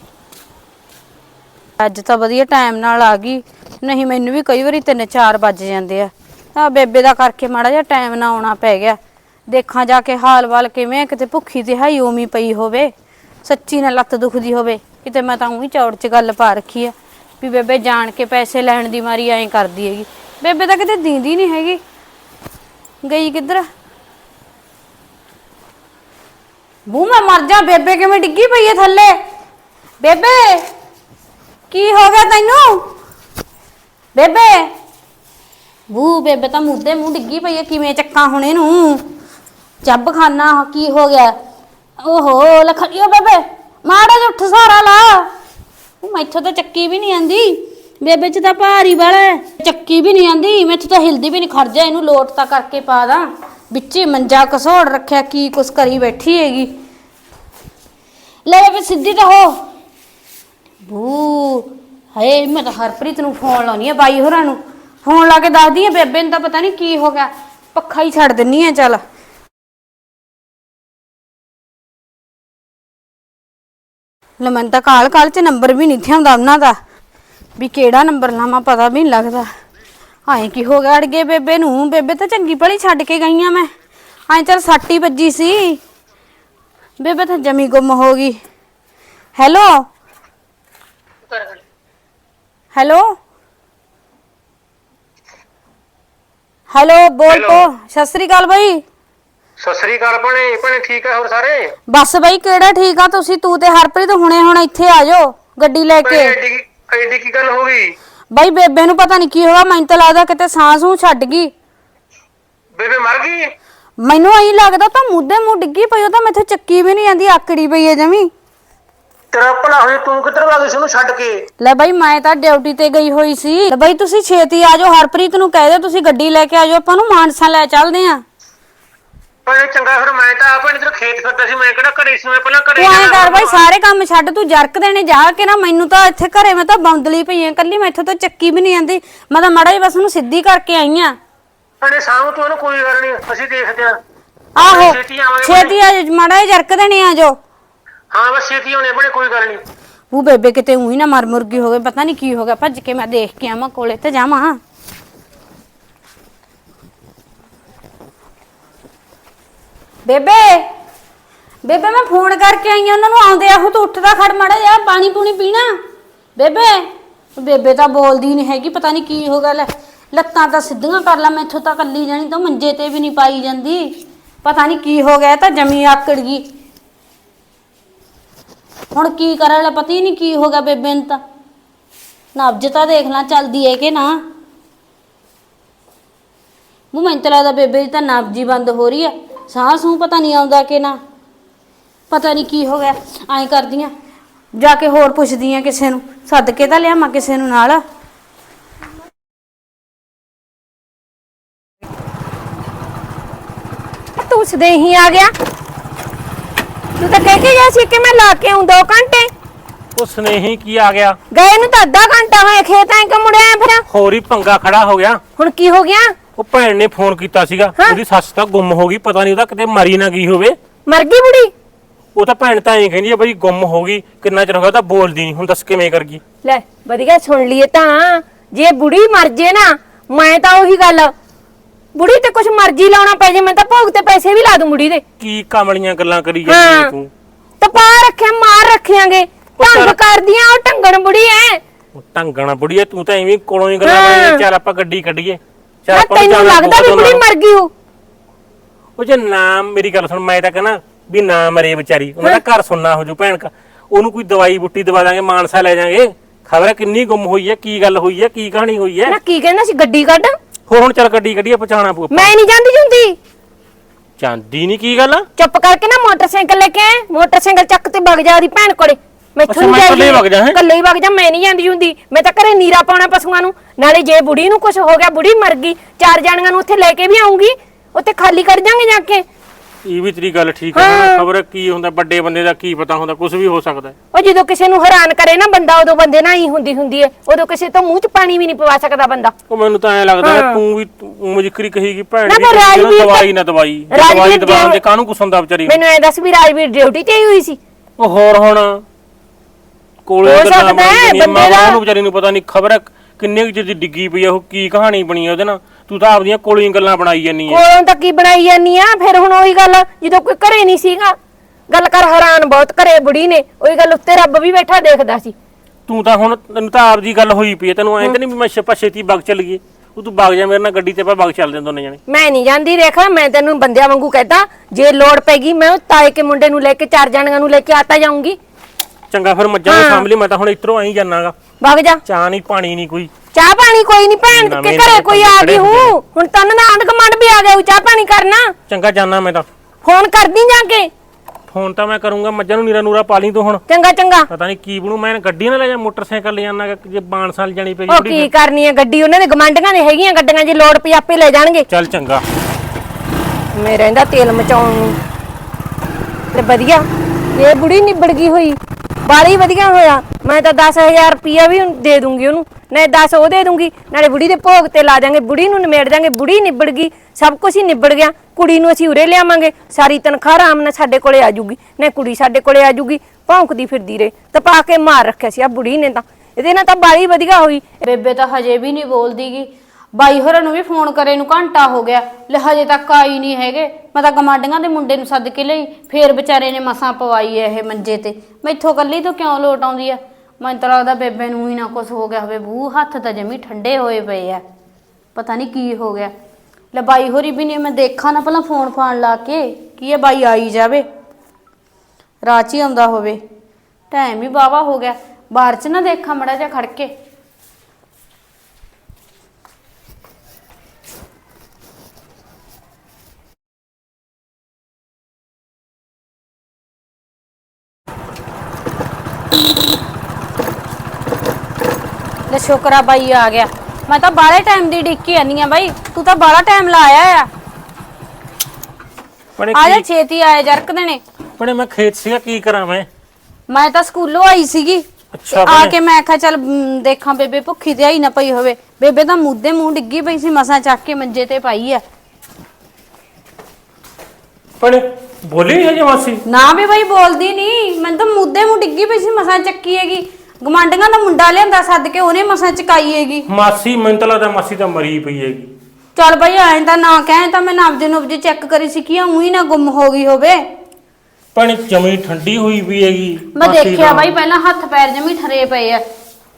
A: ਅੱਜ ਤਾਂ ਵਧੀਆ ਟਾਈਮ ਨਾਲ ਆ ਗਈ, ਨਹੀਂ ਮੈਨੂੰ ਵੀ ਕਈ ਵਾਰੀ ਤਿੰਨ ਚਾਰ ਵੱਜ ਜਾਂਦੇ ਆ। ਆ ਬੇਬੇ ਦਾ ਕਰਕੇ ਮਾੜਾ ਜਿਹਾ ਟਾਈਮ ਨਾਲ ਆਉਣਾ ਪੈ ਗਿਆ। ਦੇਖਾਂ ਜਾ ਕੇ ਹਾਲ ਵਾਲ ਕਿਵੇਂ, ਕਿਤੇ ਭੁੱਖੀ ਤੇ ਹਾਈ ਓਮੀ ਪਈ ਹੋਵੇ, ਸੱਚੀ ਨਾ ਲੱਤ ਦੁਖਦੀ ਹੋਵੇ ਕਿਤੇ। ਮੈਂ ਤਾਂ ਉਹੀ ਚੌੜ 'ਚ ਗੱਲ ਪਾ ਰੱਖੀ ਆ ਵੀ ਬੇਬੇ ਜਾਣ ਕੇ ਪੈਸੇ ਲੈਣ ਦੀ ਮਾਰੀ ਐਂ ਕਰਦੀ ਹੈਗੀ। ਬੇਬੇ ਤਾਂ ਕਿਤੇ ਦੀਂਦੀ ਨਹੀਂ ਹੈਗੀ, ਗਈ ਕਿੱਧਰ? ਬੂ ਮੈਂ ਮਰ ਜਾ, ਬੇਬੇ ਕਿਵੇਂ ਡਿੱਗੀ ਪਈ ਹੈ ਥੱਲੇ? ਬੇਬੇ ਕੀ ਹੋ ਗਿਆ ਤੈਨੂੰ? ਬੇਬੇ ਬੂ ਬੇਬੇ ਤਾਂ ਮੁੱਦੇ ਮੂੰਹ ਡਿੱਗੀ ਪਈ ਹੈ, ਕਿਵੇਂ ਚੱਕਾਂ ਹੁਣ ਇਹਨੂੰ? ਚੱਬ ਖਾਨਾ ਕੀ ਹੋ ਗਿਆ? ਓਹੋ ਲਖੜੀਓ ਬੇਬੇ ਮਾੜਾ ਜਿਹਾ ਉੱਠ ਸਾਰਾ ਲਾ। ਮੈਥੋਂ ਤਾਂ ਚੱਕੀ ਵੀ ਨਹੀਂ ਆਂਦੀ, ਬੇਬੇ ਚ ਤਾਂ ਭਾਰੀ ਵਾਲਾ, ਚੱਕੀ ਵੀ ਨਹੀਂ ਆਂਦੀ ਮੈਥੋਂ ਤਾਂ, ਹਿਲਦੀ ਵੀ ਨਹੀਂ। ਖੜ ਜਾ ਇਹਨੂੰ ਲੋਟ ਤਾਂ ਕਰਕੇ ਪਾ ਦਾਂ, ਵਿੱਚੇ ਮੰਜਾ ਘਸੋੜ ਰੱਖਿਆ, ਕੀ ਕੁਛ ਕਰੀ ਬੈਠੀ ਹੈਗੀ। ਲੈ ਬੇਬੇ ਸਿੱਧੀ ਤਾਂ ਹੋ। ਬੂ ਹਾਏ ਮੈਂ ਤਾਂ ਹਰਪ੍ਰੀਤ ਨੂੰ ਫੋਨ ਲਾਉਣੀ ਆ, ਬਾਈ ਹੋਰਾਂ ਨੂੰ ਫੋਨ ਲਾ ਕੇ ਦੱਸਦੀ ਆ ਬੇਬੇ ਨੂੰ ਤਾਂ ਪਤਾ ਨਹੀਂ ਕੀ ਹੋ ਗਿਆ, ਪੱਖਾ ਹੀ ਛੱਡ ਦਿੰਨੀ ਆ। ਚੱਲ ਲੈ ਮੈਨੂੰ ਤਾਂ ਕਾਲ ਕਾਲ 'ਚ ਨੰਬਰ ਵੀ ਨਹੀਂ ਥਿਆ ਹੁੰਦਾ ਉਹਨਾਂ ਦਾ, ਵੀ ਕਿਹੜਾ ਨੰਬਰ ਲਾਵਾਂ ਪਤਾ ਵੀ ਨਹੀਂ ਲੱਗਦਾ। ਐਂ ਕੀ ਹੋ ਗਿਆ ਅੜ ਗਏ ਬੇਬੇ ਨੂੰ? ਬੇਬੇ ਤਾਂ ਚੰਗੀ ਭਲੀ ਛੱਡ ਕੇ ਗਈਆਂ ਮੈਂ, ਐਂ ਚੱਲ ਸੱਟ ਹੀ ਵੱਜੀ ਸੀ, ਬੇਬੇ ਤਾਂ ਜਮੀ ਗੁੰਮ ਹੋ ਗਈ। ਹੈਲੋ ਹੈਲੋ ਹੈਲੋ ਬੋਲ ਪੋ। ਸਤਿ ਸ੍ਰੀ ਅਕਾਲ ਬਾਈ।
E: ਸਤਿ ਸ੍ਰੀ ਅਕਾਲ ਭੈਣੇ। ਭੈਣੇ ਠੀਕ ਆ ਹੋਰ ਸਾਰੇ?
A: ਬਸ ਬਾਈ ਕਿਹੜਾ ਠੀਕ ਆ ਤੁਸੀਂ? ਤੂੰ ਤੇ ਹਰਪ੍ਰੀਤ ਹੁਣੇ ਹੁਣ ਇੱਥੇ ਆ ਜਾਓ ਗੱਡੀ ਲੈ ਕੇ।
E: ਐਡੀ ਐਡੀ ਕੀ ਗੱਲ ਹੋ ਗਈ?
A: ਬਾਈ ਬੇਬੇ ਨੂੰ ਪਤਾ ਨਹੀਂ ਕੀ ਹੋਇਆ, ਮੈਨੂੰ ਤਾਂ ਲੱਗਦਾ ਕਿਤੇ ਸਾਹ ਸੂਹ ਛੱਡ ਗਈ।
E: ਬੇਬੇ ਮਰ ਗਈ?
A: ਮੈਨੂੰ ਐਂ ਲੱਗਦਾ ਤਾਂ ਮੁੱਦੇ ਮੂੰਹ ਡਿੱਗੀ ਪਈ, ਉਹ ਤਾਂ ਮੈਥੋਂ ਚੱਕੀ ਵੀ ਨਹੀਂ ਜਾਂਦੀ, ਆਕੜੀ ਪਈ ਹੈ ਜਮੀ।
E: ਤੇਰਾ ਭਲਾ ਹੋਏ, ਤੂੰ ਕਿੱਧਰ ਲੱਗ ਗਈ ਸੀ ਉਹਨੂੰ ਛੱਡ ਕੇ?
A: ਲੈ ਬਾਈ ਮੈਂ ਤਾਂ ਡਿਊਟੀ ਤੇ ਗਈ ਹੋਈ ਸੀ। ਲੈ ਬਾਈ ਤੁਸੀਂ ਛੇਤੀ ਆ ਜਾਓ, ਹਰਪ੍ਰੀਤ ਨੂੰ ਕਹਿ ਦਿਓ ਤੁਸੀਂ ਗੱਡੀ ਲੈ ਕੇ ਆ ਜਾਓ, ਆਪਾਂ ਨੂੰ ਮਾਨਸਾ ਲੈ ਚੱਲਦੇ ਆਂ।
E: ਭੈਣੇ ਚੰਗਾ ਫਿਰ, ਮੈਂ ਤਾਂ ਆਪ ਇੱਧਰ ਖੇਤ ਫਿਰਦਾ ਸੀ, ਮੈਂ ਕਿਹੜਾ ਘਰੇ ਸੀ, ਮੈਂ ਪਹਿਲਾਂ ਘਰੇ
A: ਤੂੰ ਐਂ ਕਰ ਬਾਈ ਸਾਰੇ ਕੰਮ ਛੱਡ, ਤੂੰ ਜਰਕ ਦੇਣੇ ਜਾ ਕੇ ਨਾ। ਮੈਨੂੰ ਤਾਂ ਇੱਥੇ ਘਰੇ ਮੈਂ ਤਾਂ ਬੌਂਦਲੀ ਪਈ ਆਂ ਕੱਲੀ, ਮੈਥੋਂ ਤਾਂ ਚੱਕੀ ਵੀ ਨਹੀਂ ਜਾਂਦੀ। ਮੈਂ ਤਾਂ ਮਾੜਾ ਜਿਹਾ ਬਸ ਉਹਨੂੰ ਸਿੱਧੀ ਕਰਕੇ ਆਈ ਆਂ।
E: ਭੈਣੇ ਸਾਹਮਣੇ ਤੂੰ ਉਹਨੂੰ ਕੋਈ ਗੱਲ ਨਹੀਂ, ਅਸੀਂ ਦੇਖਦੇ ਆਂ।
A: ਆਹੋ
E: ਛੇਤੀ ਆਵਾਂਗੇ
A: ਛੇਤੀ ਆ ਜਾਓ, ਮਾੜਾ ਜਿਹਾ ਜਰਕ ਦੇਣੇ ਆ ਜਾਓ।
E: ਹਾਂ ਬਸ ਛੇਤੀ ਆਉਣੇ ਭੈਣੇ, ਕੋਈ ਗੱਲ ਨਹੀਂ।
A: ਉਹ ਬੇਬੇ ਕਿਤੇ ਉਹੀ ਨਾ ਮਰ ਮੁਰਗੀ ਹੋ ਗਏ, ਪਤਾ ਨਹੀਂ ਕੀ ਹੋ ਗਿਆ। ਭੱਜ ਕੇ ਮੈਂ ਦੇਖ ਕੇ ਆਵਾਂ, ਕੋਲੇ ਤੇ ਜਾਵਾਂ। ਬੇਬੇ ਬੇਬੇ ਮੈਂ ਫੋਨ ਕਰਕੇ ਆਈ ਆ ਉਹਨਾਂ ਨੂੰ, ਆਉਂਦੇ ਆਹੋ ਤੂੰ ਉੱਠਦਾ ਖੜ ਮਾੜਾ ਜਿਹਾ, ਪਾਣੀ ਪੂਣੀ ਪੀਣਾ। ਬੇਬੇ ਬੇਬੇ ਤਾਂ ਬੋਲਦੀ ਨਹੀਂ ਹੈਗੀ, ਪਤਾ ਨਹੀਂ ਕੀ ਹੋ ਗਿਆ। ਲੈ ਲੱਤਾਂ ਤਾਂ ਸਿੱਧੀਆਂ ਕਰ ਲਾ, ਮੈਥੋਂ ਤਾਂ ਕੱਲੀ ਜਾਣੀ ਤਾਂ ਮੰਜੇ ਤੇ ਵੀ ਨਹੀਂ ਪਾਈ ਜਾਂਦੀ, ਪਤਾ ਨਹੀਂ ਕੀ ਹੋ ਗਿਆ, ਤਾਂ ਜਮੀ ਆਕੜ ਗਈ। ਹੁਣ ਕੀ ਕਰਾਂ, ਲੈ ਪਤਾ ਹੀ ਨਹੀਂ ਕੀ ਹੋ ਗਿਆ ਬੇਬੇ ਨੂੰ। ਤਾਂ ਨਬਜ ਤਾਂ ਦੇਖ ਲਾਂ ਚੱਲਦੀ ਹੈ ਕਿ ਨਾ। ਉਹ ਮੈਨੂੰ ਤਾਂ ਲੱਗਦਾ ਬੇਬੇ ਦੀ ਤਾਂ ਨਬਜ ਹੀ ਬੰਦ ਹੋ ਰਹੀ ਹੈ, ਸਾਹ ਸੂਹ ਪਤਾ ਨਹੀਂ ਆਉਂਦਾ ਕਿ ਨਾ, ਪਤਾ ਨਹੀਂ ਕੀ ਹੋ ਗਿਆ। ਐਂ ਕਰਦੀ ਆ ਜਾ ਕੇ ਹੋਰ ਪੁੱਛਦੀ ਆ ਕਿਸੇ ਨੂੰ, ਸੱਦ ਕੇ ਤਾਂ ਲਿਆਵਾਂ ਕਿਸੇ ਨੂੰ ਨਾਲ।
D: ਤੂੰ ਸਦੇਹੀ ਆ ਗਿਆ, ਤੂੰ ਤਾਂ ਕਹਿ ਕੇ ਗਿਆ ਸੀ ਕਿ ਮੈਂ ਲਾ ਕੇ ਆਉਂ ਦੋ ਘੰਟੇ।
C: ਉਹ ਸਨੇਹੀ ਕੀ ਆ ਗਿਆ?
D: ਗਏ ਨੂੰ ਤਾਂ ਅੱਧਾ ਘੰਟਾ ਹੋਇਆ, ਖੇਤ ਐਂ ਕਿ ਮੁੜਿਆ ਫਿਰ।
C: ਹੋਰ ਹੀ ਪੰਗਾ ਖੜਾ ਹੋ ਗਿਆ।
D: ਹੁਣ ਕੀ ਹੋ ਗਿਆ?
C: ਉਹ ਭੈਣ ਨੇ ਫੋਨ ਕੀਤਾ ਸੀਗਾ, ਉਹਦੀ ਸੱਸ ਤਾਂ ਗੁੰਮ ਹੋ ਗਈ, ਪਤਾ ਨਹੀਂ ਉਹਦਾ ਕਿਤੇ ਮਰੀ ਨਾ ਗਈ ਹੋਵੇ।
D: ਮਰ ਗਈ ਬੁੜੀ?
C: ਉਹ ਤਾਂ ਭੈਣ ਤਾਂ ਐਂ ਕਹਿੰਦੀ ਆ ਬਈ ਗੁੰਮ ਹੋ ਗਈ, ਕਿੰਨਾ ਚਿਰ ਹੋ ਗਿਆ ਤਾਂ ਬੋਲਦੀ ਨਹੀਂ, ਹੁਣ ਦੱਸ ਕਿਵੇਂ ਕਰ ਗਈ?
D: ਲੈ ਵਧੀਆ ਸੁਣ ਲਈਏ ਤਾਂ, ਜੇ ਬੁੜੀ ਮਰ ਜੇ ਨਾ, ਮੈਂ ਤਾਂ ਉਹੀ ਗੱਲ, ਬੁੜੀ ਤੇ ਕੁਛ ਮਰਜ਼ੀ ਲਾਉਣਾ ਪੈ ਜੇ, ਮੈਂ ਤਾਂ ਭੋਗ ਤੇ ਪੈਸੇ ਵੀ ਲਾ ਦੂੰ ਬੁੜੀ ਦੇ।
C: ਕੀ ਕਮਲੀਆਂ ਗੱਲਾਂ ਕਰੀ ਜਾਂਦੀ ਐ ਤੂੰ?
D: ਤਾਂ ਪਾ ਰੱਖਿਆ ਮਾਰ ਰੱਖਿਆਂਗੇ, ਢੰਗ ਕਰਦੀਆਂ ਉਹ ਢੰਗਣ ਬੁੜੀ ਐ।
C: ਉਹ ਢੰਗਣਾ ਬੁੜੀਏ, ਤੂੰ ਤਾਂ ਐਵੇਂ ਕੋਲੋਂ ਹੀ ਗੱਲਾਂ ਕਰਦੀ। ਚੱਲ ਆਪਾਂ ਗੱਡੀ ਕੱਢੀਏ, ਚੱਲ
D: ਨਾ
C: ਆਪਾਂ ਨੂੰ
D: ਤੈਨੂੰ
C: ਜਾਣਾ
D: ਲੱਗਦਾ ਵੀ ਬੁੜੀ ਮਰ ਗਈ ਹੋ?
C: ਉਹ ਜੇ ਨਾ, ਮੇਰੀ ਗੱਲ ਸੁਣ, ਮੈਂ ਤਾਂ ਕਹਿੰਦਾ ਵੀ ਨਾ ਮਰੇ ਵਿਚਾਰੀ, ਉਹਨਾਂ ਦਾ ਘਰ ਸੁਣਨਾ ਹੋ ਜੂ ਭੈਣ ਕਾ, ਉਹਨੂੰ ਕੋਈ ਦਵਾਈ ਬੁੱਟੀ ਦਵਾ ਦਾਂਗੇ, ਮਾਨਸਾ ਲੈ ਜਾਾਂਗੇ, ਖਬਰ ਕਿੰਨੀ ਗੁੰਮ ਹੋਈ ਹੈ, ਕੀ ਗੱਲ ਹੋਈ ਹੈ, ਕੀ ਕਹਾਣੀ ਹੋਈ ਹੈ।
D: ਨਾ ਕੀ ਕਹਿੰਦਾ ਸੀ ਗੱਡੀ ਕੱਢ?
C: ਹੋਰ ਹੁਣ ਚੱਲ ਗੱਡੀ ਕੱਢੀਏ, ਪਹੁੰਚਾਣਾ ਪਊ।
D: ਮੈਂ ਨਹੀਂ ਜਾਂਦੀ ਜੁੰਦੀ।
C: ਜਾਂਦੀ ਨਹੀਂ ਕੀ ਗੱਲ?
D: ਚੁੱਪ ਕਰਕੇ ਨਾ ਮੋਟਰਸਾਈਕਲ ਲੈ ਕੇ ਆਏ, ਮੋਟਰਸਾਈਕਲ ਚੱਕ ਤੇ ਵਗ ਜਾ ਉਹਦੀ ਭੈਣ ਕੋਲੇ। ਮੈਥੋਂ ਨਹੀਂ
C: ਕੱਲੇ ਹੀ ਵਗ ਜਾ, ਹੈਂ?
D: ਕੱਲੇ ਹੀ ਵਗ ਜਾ, ਮੈਂ ਨਹੀਂ ਜਾਂਦੀ ਜੁੰਦੀ। ਮੈਂ ਤਾਂ ਘਰੇ ਨੀਰਾ ਪਾਉਣਾ ਪਸ਼ੂਆਂ ਨੂੰ, ਨਾਲੇ ਜੇ ਬੁੜੀ ਨੂੰ ਕੁਝ ਹੋ ਗਿਆ, ਬੁੜੀ ਮਰ ਗਈ, ਚਾਰ ਜਾਣੀਆਂ ਨੂੰ ਉੱਥੇ ਲੈ ਕੇ ਵੀ ਆਉਂਗੀ, ਉੱਥੇ ਖਾਲੀ ਕਰ ਜਾਾਂਗੇ ਜਾ ਕੇ।
C: ਇਹ ਵੀ ਤੇਰੀ ਗੱਲ ਠੀਕ ਹੈ, ਖਬਰ ਕੀ ਹੁੰਦਾ, ਵੱਡੇ ਬੰਦੇ ਦਾ ਕੀ ਪਤਾ ਹੁੰਦਾ, ਕੁਝ ਵੀ ਹੋ ਸਕਦਾ।
D: ਉਹ ਜਦੋਂ ਕਿਸੇ ਨੂੰ ਹੈਰਾਨ ਕਰੇ ਨਾ ਬੰਦਾ, ਉਦੋਂ ਬੰਦੇ ਨਾਲ ਹੀ ਹੁੰਦੀ ਹੁੰਦੀ ਹੈ, ਉਦੋਂ ਕਿਸੇ ਤੋਂ ਮੂੰਹ 'ਚ ਪਾਣੀ ਵੀ ਨਹੀਂ ਪਵਾ ਸਕਦਾ ਬੰਦਾ।
C: ਉਹ ਮੈਨੂੰ ਤਾਂ ਐ ਲੱਗਦਾ ਤੂੰ ਵੀ ਮੁਜਕਰੀ ਕਹੇਗੀ ਭੈਣ
D: ਨਾ
C: ਦੀ,
D: ਫਿਰ ਰਾਜਵੀਰ
C: ਦਵਾਈ ਨਾ ਦਵਾਈ ਦਵਾਈ ਦਵਾਉਣ ਦੇ ਕਾਹਨੂੰ ਕੁਛ ਹੁੰਦਾ ਵਿਚਾਰੀ।
D: ਮੈਨੂੰ ਐ ਦੱਸ ਵੀ ਰਾਜਵੀਰ ਡਿਊਟੀ ਤੇ ਹੀ ਹੋਈ ਸੀ?
C: ਉਹ ਹੋਰ ਹੁਣ ਕੋਲੇ
D: ਹੋ
C: ਗੱਲਾਂ
D: ਸਕਦਾ
C: ਬਣਾਈ
D: ਹੈ,
C: ਜਾਂਦੀਆਂ,
D: ਬੰਦੇ
C: ਮਾਂ
D: ਦਾ-
C: ਉਹਨੂੰ ਵਿਚਾਰੀ ਨੂੰ ਪਤਾ ਨਹੀਂ ਖਬਰ ਕਿੰਨੇ ਕੁ ਚਿਰ ਦੀ ਡਿੱਗੀ ਪਈ ਆ ਉਹ, ਕੀ ਕਹਾਣੀ ਬਣੀ ਆ ਉਹਦੇ ਨਾਲ। ਤੂੰ ਤਾਂ ਆਪਦੀਆਂ ਕੋਲੀਆਂ ਗੱਲਾਂ ਬਣਾਈ ਜਾਂਦੀ ਆ।
D: ਕੋਲੋਂ ਤਾਂ ਕੀ ਬਣਾਈ ਜਾਨੀ ਆ ਫਿਰ ਹੁਣ ਉਹੀ ਗੱਲ ਜਦੋਂ ਕੋਈ ਘਰੇ ਨਹੀਂ ਸੀਗਾ ਗੱਲ ਕਰ ਹੈਰਾਨ ਬਹੁਤ ਘਰੇ ਬੁੜੀ ਨੇ ਉਹੀ ਗੱਲ ਉੱਤੇ ਰੱਬ ਵੀ ਬੈਠਾ ਦੇਖਦਾ ਸੀ।
C: ਤੂੰ ਤਾਂ ਹੁਣ ਤੈਨੂੰ ਤਾਂ ਆਪਦੀ ਗੱਲ ਹੋਈ ਪਈ ਆ, ਤੈਨੂੰ ਐਂ ਤਾਂ ਨਹੀਂ ਵੀ ਮੈਂ ਛੇਪਾ ਛੇਤੀ ਵਗ ਚੱਲ ਗਈ। ਉਹ ਤੂੰ ਵਗ ਜਾ ਮੇਰੇ ਨਾਲ ਗੱਡੀ ਤੇ ਆਪਾਂ ਵਗ ਚੱਲਦੇ ਦੋਨੇ ਜਣੇ।
D: ਮੈਂ ਨਹੀਂ ਜਾਂਦੀ ਰੇਖਾ, ਮੈਂ ਤੈਨੂੰ ਬੰਦਿਆਂ ਵਾਂਗੂ ਕਹਿਤਾ ਜੇ ਲੋੜ ਪੈਗੀ ਮੈਂ ਉਹ ਤਾਏ ਕੇ ਮੁੰਡੇ ਨੂੰ ਲੈ ਕੇ ਚਾਰ ਜਣਿਆਂ ਨੂੰ ਲੈ ਕੇ ਆਤਾ ਜਾਊਂਗੀ।
C: ਚੰਗਾ ਫਿਰ ਮੱਝਾਂ ਨੂੰ ਸਾਂਭ ਲਈ, ਮੈਂ ਤਾਂ ਹੁਣ ਇੱਧਰੋਂ ਆਈ ਜਾਣਾਗਾ।
D: ਵਗ ਜਾ।
C: ਚਾਹ ਨਹੀਂ ਪਾਣੀ ਨਹੀਂ ਕੋਈ।
D: ਚਾਹ ਪਾਣੀ ਕੋਈ ਨਹੀਂ ਭੈਣ ਕੇ
C: ਨਵੇਂ
D: ਘਰੇ ਕੋਈ ਆ ਗਈ ਹੂੰ ਹੁਣ ਤਨ ਨਾ ਆਂਢ ਗੁਆਂਢ ਵੀ ਆ ਗਿਆ ਹੂੰ, ਚਾਹ ਪਾਣੀ ਕਰਨਾ।
C: ਚੰਗਾ ਜਾਣਾ ਮੈਂ ਤਾਂ।
D: ਫੋਨ ਕਰਦੀ ਜਾ ਕੇ।
C: ਫੋਨ ਤਾਂ ਮੈਂ ਕਰੂੰਗਾ, ਮੱਝਾਂ ਨੂੰ ਨੀਰਾ ਨੂਰਾ ਪਾ ਲਈ ਤੂੰ ਹੁਣ।
D: ਚੰਗਾ ਚੰਗਾ।
C: ਪਤਾ ਨਹੀਂ ਕੀ ਬਣੂ, ਮੈਂ ਗੱਡੀ ਨਾ ਲੈ ਜਾ ਮੋਟਰਸਾਈਕਲ ਲੈ ਜਾਣਾ ਜੇ ਬਾਣਸਾਲ ਜਾਣੀ ਪਈ
D: ਉਹ ਕੀ ਕਰਨੀ ਹੈ ਗੱਡੀ ਉਹਨਾਂ ਦੇ ਗਮਾਂਡੀਆਂ ਦੇ ਹੈਗੀਆਂ ਗੱਡੀਆਂ, ਜੇ ਲੋੜ ਪਈ ਆਪੇ ਲੈ ਜਾਣਗੇ।
C: ਚੱਲ ਚੰਗਾ।
D: ਮੈਂ ਰਹਿੰਦਾ ਤੇਲ ਮਚਾਉਣ ਨੂੰ ਤੇ ਵਧੀਆ ਇਹ ਬੁੜੀ ਨਿਬੜ ਗਈ ਹੋਈ ਬਾਲੀ ਵਧੀਆ ਹੋਇਆ। ਮੈਂ ਤਾਂ ਦਸ ਹਜ਼ਾਰ ਰੁਪਇਆ ਵੀ ਦੇ ਦੂੰਗੀ ਉਹਨੂੰ, ਨਹੀਂ ਦਸ ਉਹ ਦੇ ਦੂੰਗੀ ਨਾਲੇ ਬੁੜੀ ਦੇ ਭੋਗ ਤੇ ਲਾ ਦਾਂਗੇ, ਬੁੜੀ ਨੂੰ ਨਿਮੇੜ ਦਾਂਗੇ। ਬੁੜੀ ਨਿਬੜ ਗਈ, ਸਭ ਕੁਝ ਹੀ ਨਿਬੜ ਗਿਆ। ਕੁੜੀ ਨੂੰ ਅਸੀਂ ਉਰੇ ਲਿਆਵਾਂਗੇ, ਸਾਰੀ ਤਨਖਾਹ ਆਰਾਮ ਨਾਲ ਸਾਡੇ ਕੋਲੇ ਆ ਜੂਗੀ, ਨਹੀਂ ਕੁੜੀ ਸਾਡੇ ਕੋਲੇ ਆ ਜੂਗੀ। ਭੌਂਕਦੀ ਫਿਰਦੀ ਰਹੇ ਤਾਂ ਪਾ ਕੇ ਮਾਰ ਰੱਖਿਆ ਸੀ ਆ ਬੁੜੀ ਨੇ ਤਾਂ, ਇਹਦੇ ਨਾਲ ਤਾਂ ਬਾਲੀ ਵਧੀਆ ਹੋਈ।
A: ਬੇਬੇ ਤਾਂ ਹਜੇ ਵੀ ਨਹੀਂ ਬੋਲਦੀਗੀ। ਬਾਈ ਹੋਰਾਂ ਨੂੰ ਵੀ ਫੋਨ ਕਰੇ ਨੂੰ ਘੰਟਾ ਹੋ ਗਿਆ, ਲੈ ਹਜੇ ਤੱਕ ਆਈ ਨਹੀਂ ਹੈਗੇ। ਮੈਂ ਤਾਂ ਗਮਾਂਡੀਆਂ ਦੇ ਮੁੰਡੇ ਨੂੰ ਸੱਦ ਕੇ ਲਈ, ਫੇਰ ਵਿਚਾਰੇ ਨੇ ਮਸਾਂ ਪਵਾਈ ਐ ਇਹ ਮੰਜੇ ਤੇ। ਮੈਥੋਂ ਕੱਲੀ ਤੋਂ ਕਿਉਂ ਲੋਟ ਆਉਂਦੀ ਆ? ਮੈਨੂੰ ਤਾਂ ਲੱਗਦਾ ਬੇਬੇ ਨੂੰ ਹੀ ਨਾ ਕੁਝ ਹੋ ਗਿਆ ਹੋਵੇ। ਬੂ ਹੱਥ ਤਾਂ ਜਮੀ ਠੰਡੇ ਹੋਏ ਪਏ ਆ, ਪਤਾ ਨਹੀਂ ਕੀ ਹੋ ਗਿਆ। ਲੈ ਬਾਈ ਹੋਰੀ ਵੀ ਨਹੀਂ, ਮੈਂ ਦੇਖਾਂ ਨਾ ਪਹਿਲਾਂ ਫੋਨ ਫਾਨ ਲਾ ਕੇ ਕੀ ਇਹ ਬਾਈ ਆਈ ਜਾਵੇ, ਰਾਹ 'ਚ ਹੀ ਆਉਂਦਾ ਹੋਵੇ। ਟਾਈਮ ਹੀ ਵਾਹਵਾ ਹੋ ਗਿਆ, ਬਾਹਰ 'ਚ ਨਾ ਦੇਖਾਂ ਮੜਾ ਜਿਹਾ ਖੜ ਕੇ। ਲੈ ਸ਼ੁਕਰਾ ਬਾਈ ਆ ਗਿਆ। ਮੈਂ ਤਾਂ ਬਾਹਲੇ ਟਾਈਮ ਦੀ ਡਿੱਕੀ ਆਨੀ ਆ ਬਾਈ, ਤੂੰ ਤਾਂ ਬਾਹਲਾ ਟਾਈਮ ਲਾਇਆ ਆ। ਆ ਜਾ ਛੇਤੀ ਆਏ ਜਰਕ ਦੇਣੇ।
C: ਪਰ ਮੈਂ ਖੇਤ ਸੀਗਾ, ਕੀ ਕਰਾਂ ਮੈਂ?
A: ਮੈਂ ਤਾਂ ਸਕੂਲੋਂ ਆਈ ਸੀਗੀ,
C: ਅੱਛਾ
A: ਆ ਕੇ ਮੈਂ ਆਖਿਆ ਚੱਲ ਮ, ਦੇਖਾਂ ਬੇਬੇ ਭੁੱਖੀ ਤੇ ਆਈ ਨਾ ਪਈ ਹੋਵੇ। ਬੇਬੇ ਤਾਂ ਮੁੱਦੇ ਮੂੰਹ ਡਿੱਗੀ ਪਈ ਸੀ, ਮਸਾਂ ਚੱਕ ਕੇ ਮੰਜੇ ਤੇ ਪਾਈ ਆ।
C: ਪਰ ਬੋਲੀ ਹਜੇ ਮਾਸੀ?
A: ਨਾ ਵੀ ਬਾਈ ਬੋਲਦੀ ਨਹੀਂ, ਮੈਂ ਤਾਂ ਮੁੱਦੇ ਮੂੰਹ ਡਿੱਗੀ ਪਈ ਸੀ, ਮਸਾਂ ਚੱਕੀ ਹੈਗੀ। ਗਮਾਂਡੀਆਂ ਦਾ ਮੁੰਡਾ ਲਿਆਂਦਾ ਸੱਦ ਕੇ, ਉਹਨੇ ਮਸਾਂ ਚਕਾਈ ਹੈਗੀ।
C: ਮਾਸੀ ਮੈਨੂੰ ਤਾਂ ਲੱਗਦਾ ਮਾਸੀ ਤਾਂ ਮਰੀ ਪਈ ਹੈਗੀ।
A: ਚੱਲ ਬਾਈ ਐਂ ਤਾਂ ਨਾ ਕਹਿ, ਤਾਂ ਮੈਂ ਨਬਜ ਨੁਬਜ ਚੈੱਕ ਕਰੀ ਸੀ ਕਿ ਉਹੀ ਨਾ ਗੁੰਮ ਹੋ ਗਈ ਹੋਵੇ।
C: ਪਾਣੀ ਜਮੀ ਠੰਡੀ ਹੋਈ ਵੀ ਹੈਗੀ।
A: ਮੈਂ ਦੇਖਿਆ ਬਾਈ ਪਹਿਲਾਂ ਹੱਥ ਪੈਰ ਜਮੀ ਠਰੇ ਪਏ ਆ।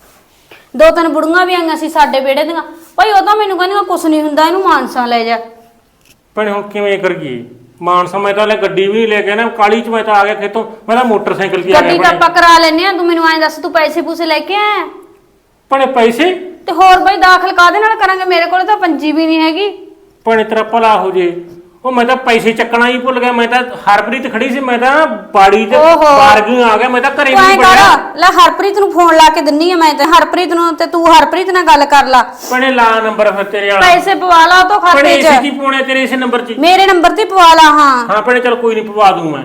A: ਦੋ ਤਿੰਨ ਬੁੜੀਆਂ ਵੀ ਆਈਆਂ ਸੀ ਸਾਡੇ ਵਿਹੜੇ ਦੀਆਂ, ਭਾਈ ਉਹ ਤਾਂ ਮੈਨੂੰ ਕਹਿੰਦੀਆਂ ਕੁਛ ਨਹੀਂ ਹੁੰਦਾ, ਇਹਨੂੰ ਮਾਨਸਾ ਲੈ ਜਾ।
C: ਪਰ ਹੁਣ ਕਿਵੇਂ ਕਰੀਏ? ਮਾਨਸਾ ਮੈਂ ਤਾਂ ਲੈ ਗੱਡੀ ਵੀ ਲੈ ਕੇ ਨਾ ਕਾਲੀ ਚ ਮੈਂ ਤਾਂ ਆ ਗਿਆ ਖੇਤੋਂ, ਮੈਂ ਤਾਂ ਮੋਟਰਸਾਈਕਲ ਤੇ ਆ ਗਿਆ।
A: ਗੱਡੀ ਤਾਂ ਆਪਾਂ ਕਰਾ ਲੈਨੇ ਆ, ਤੂੰ ਮੈਨੂੰ ਐਂ ਦੱਸ ਤੂੰ ਪੈਸੇ ਪੂਸੇ ਲੈ ਕੇ ਆਇਆ?
C: ਪਰ ਪੈਸੇ
A: ਤੇ ਹੋਰ ਬਾਈ ਦਾਖਲ ਕਾਹਦੇ ਨਾਲ ਕਰਾਂਗੇ, ਮੇਰੇ ਕੋਲ ਤਾਂ ਪੰਜੀ ਵੀ ਨਹੀਂ ਹੈਗੀ।
C: ਪਰ ਤੇਰਾ ਭਲਾ ਹੋ ਜੇ। ਉਹ ਮੈਂ ਤਾਂ ਪੈਸੇ ਚੱਕਣਾ ਹੀ ਭੁੱਲ ਗਿਆ, ਮੈਂ ਤਾਂ ਹਰਪ੍ਰੀਤ ਖੜੀ ਸੀ, ਮੈਂ ਤਾਂ ਬਾੜੀ ਤੇ ਬਾਰਗਿੰਗ ਆ ਗਿਆ, ਮੈਂ ਤਾਂ ਘਰੇ
A: ਤੂੰ ਐਂ
C: ਨਹੀਂ
A: ਕਰ
C: ਵੜਿਆ।
A: ਲੈ ਹਰਪ੍ਰੀਤ ਨੂੰ ਫੋਨ ਲਾ ਕੇ ਦਿੰਨੀ ਆ ਮੈਂ ਤੇ ਹਰਪ੍ਰੀਤ ਨੂੰ, ਤੇ ਤੂੰ ਹਰਪ੍ਰੀਤ ਨਾਲ ਗੱਲ ਕਰ ਲਾ।
C: ਪਣੇ ਲਾ ਨੰਬਰ ਫਿਰ ਤੇਰੇ ਵਾਲਾ।
A: ਪੈਸੇ ਪਵਾ ਲਾ ਤੋਂ ਖਾਤੇ
C: ਪਣੇ
A: 'ਚ।
C: ਇਸੇ ਕੀ ਪਾਉਣੇ ਤੇਰੇ ਇਸੇ ਨੰਬਰ 'ਚ?
A: ਮੇਰੇ ਨੰਬਰ ਤੇ ਪਵਾ ਲਾ। ਹਾਂ
C: ਹਾਂ ਪਣੇ ਚਲ ਕੋਈ ਨਹੀਂ ਪਵਾ ਦੂੰ ਮੈਂ।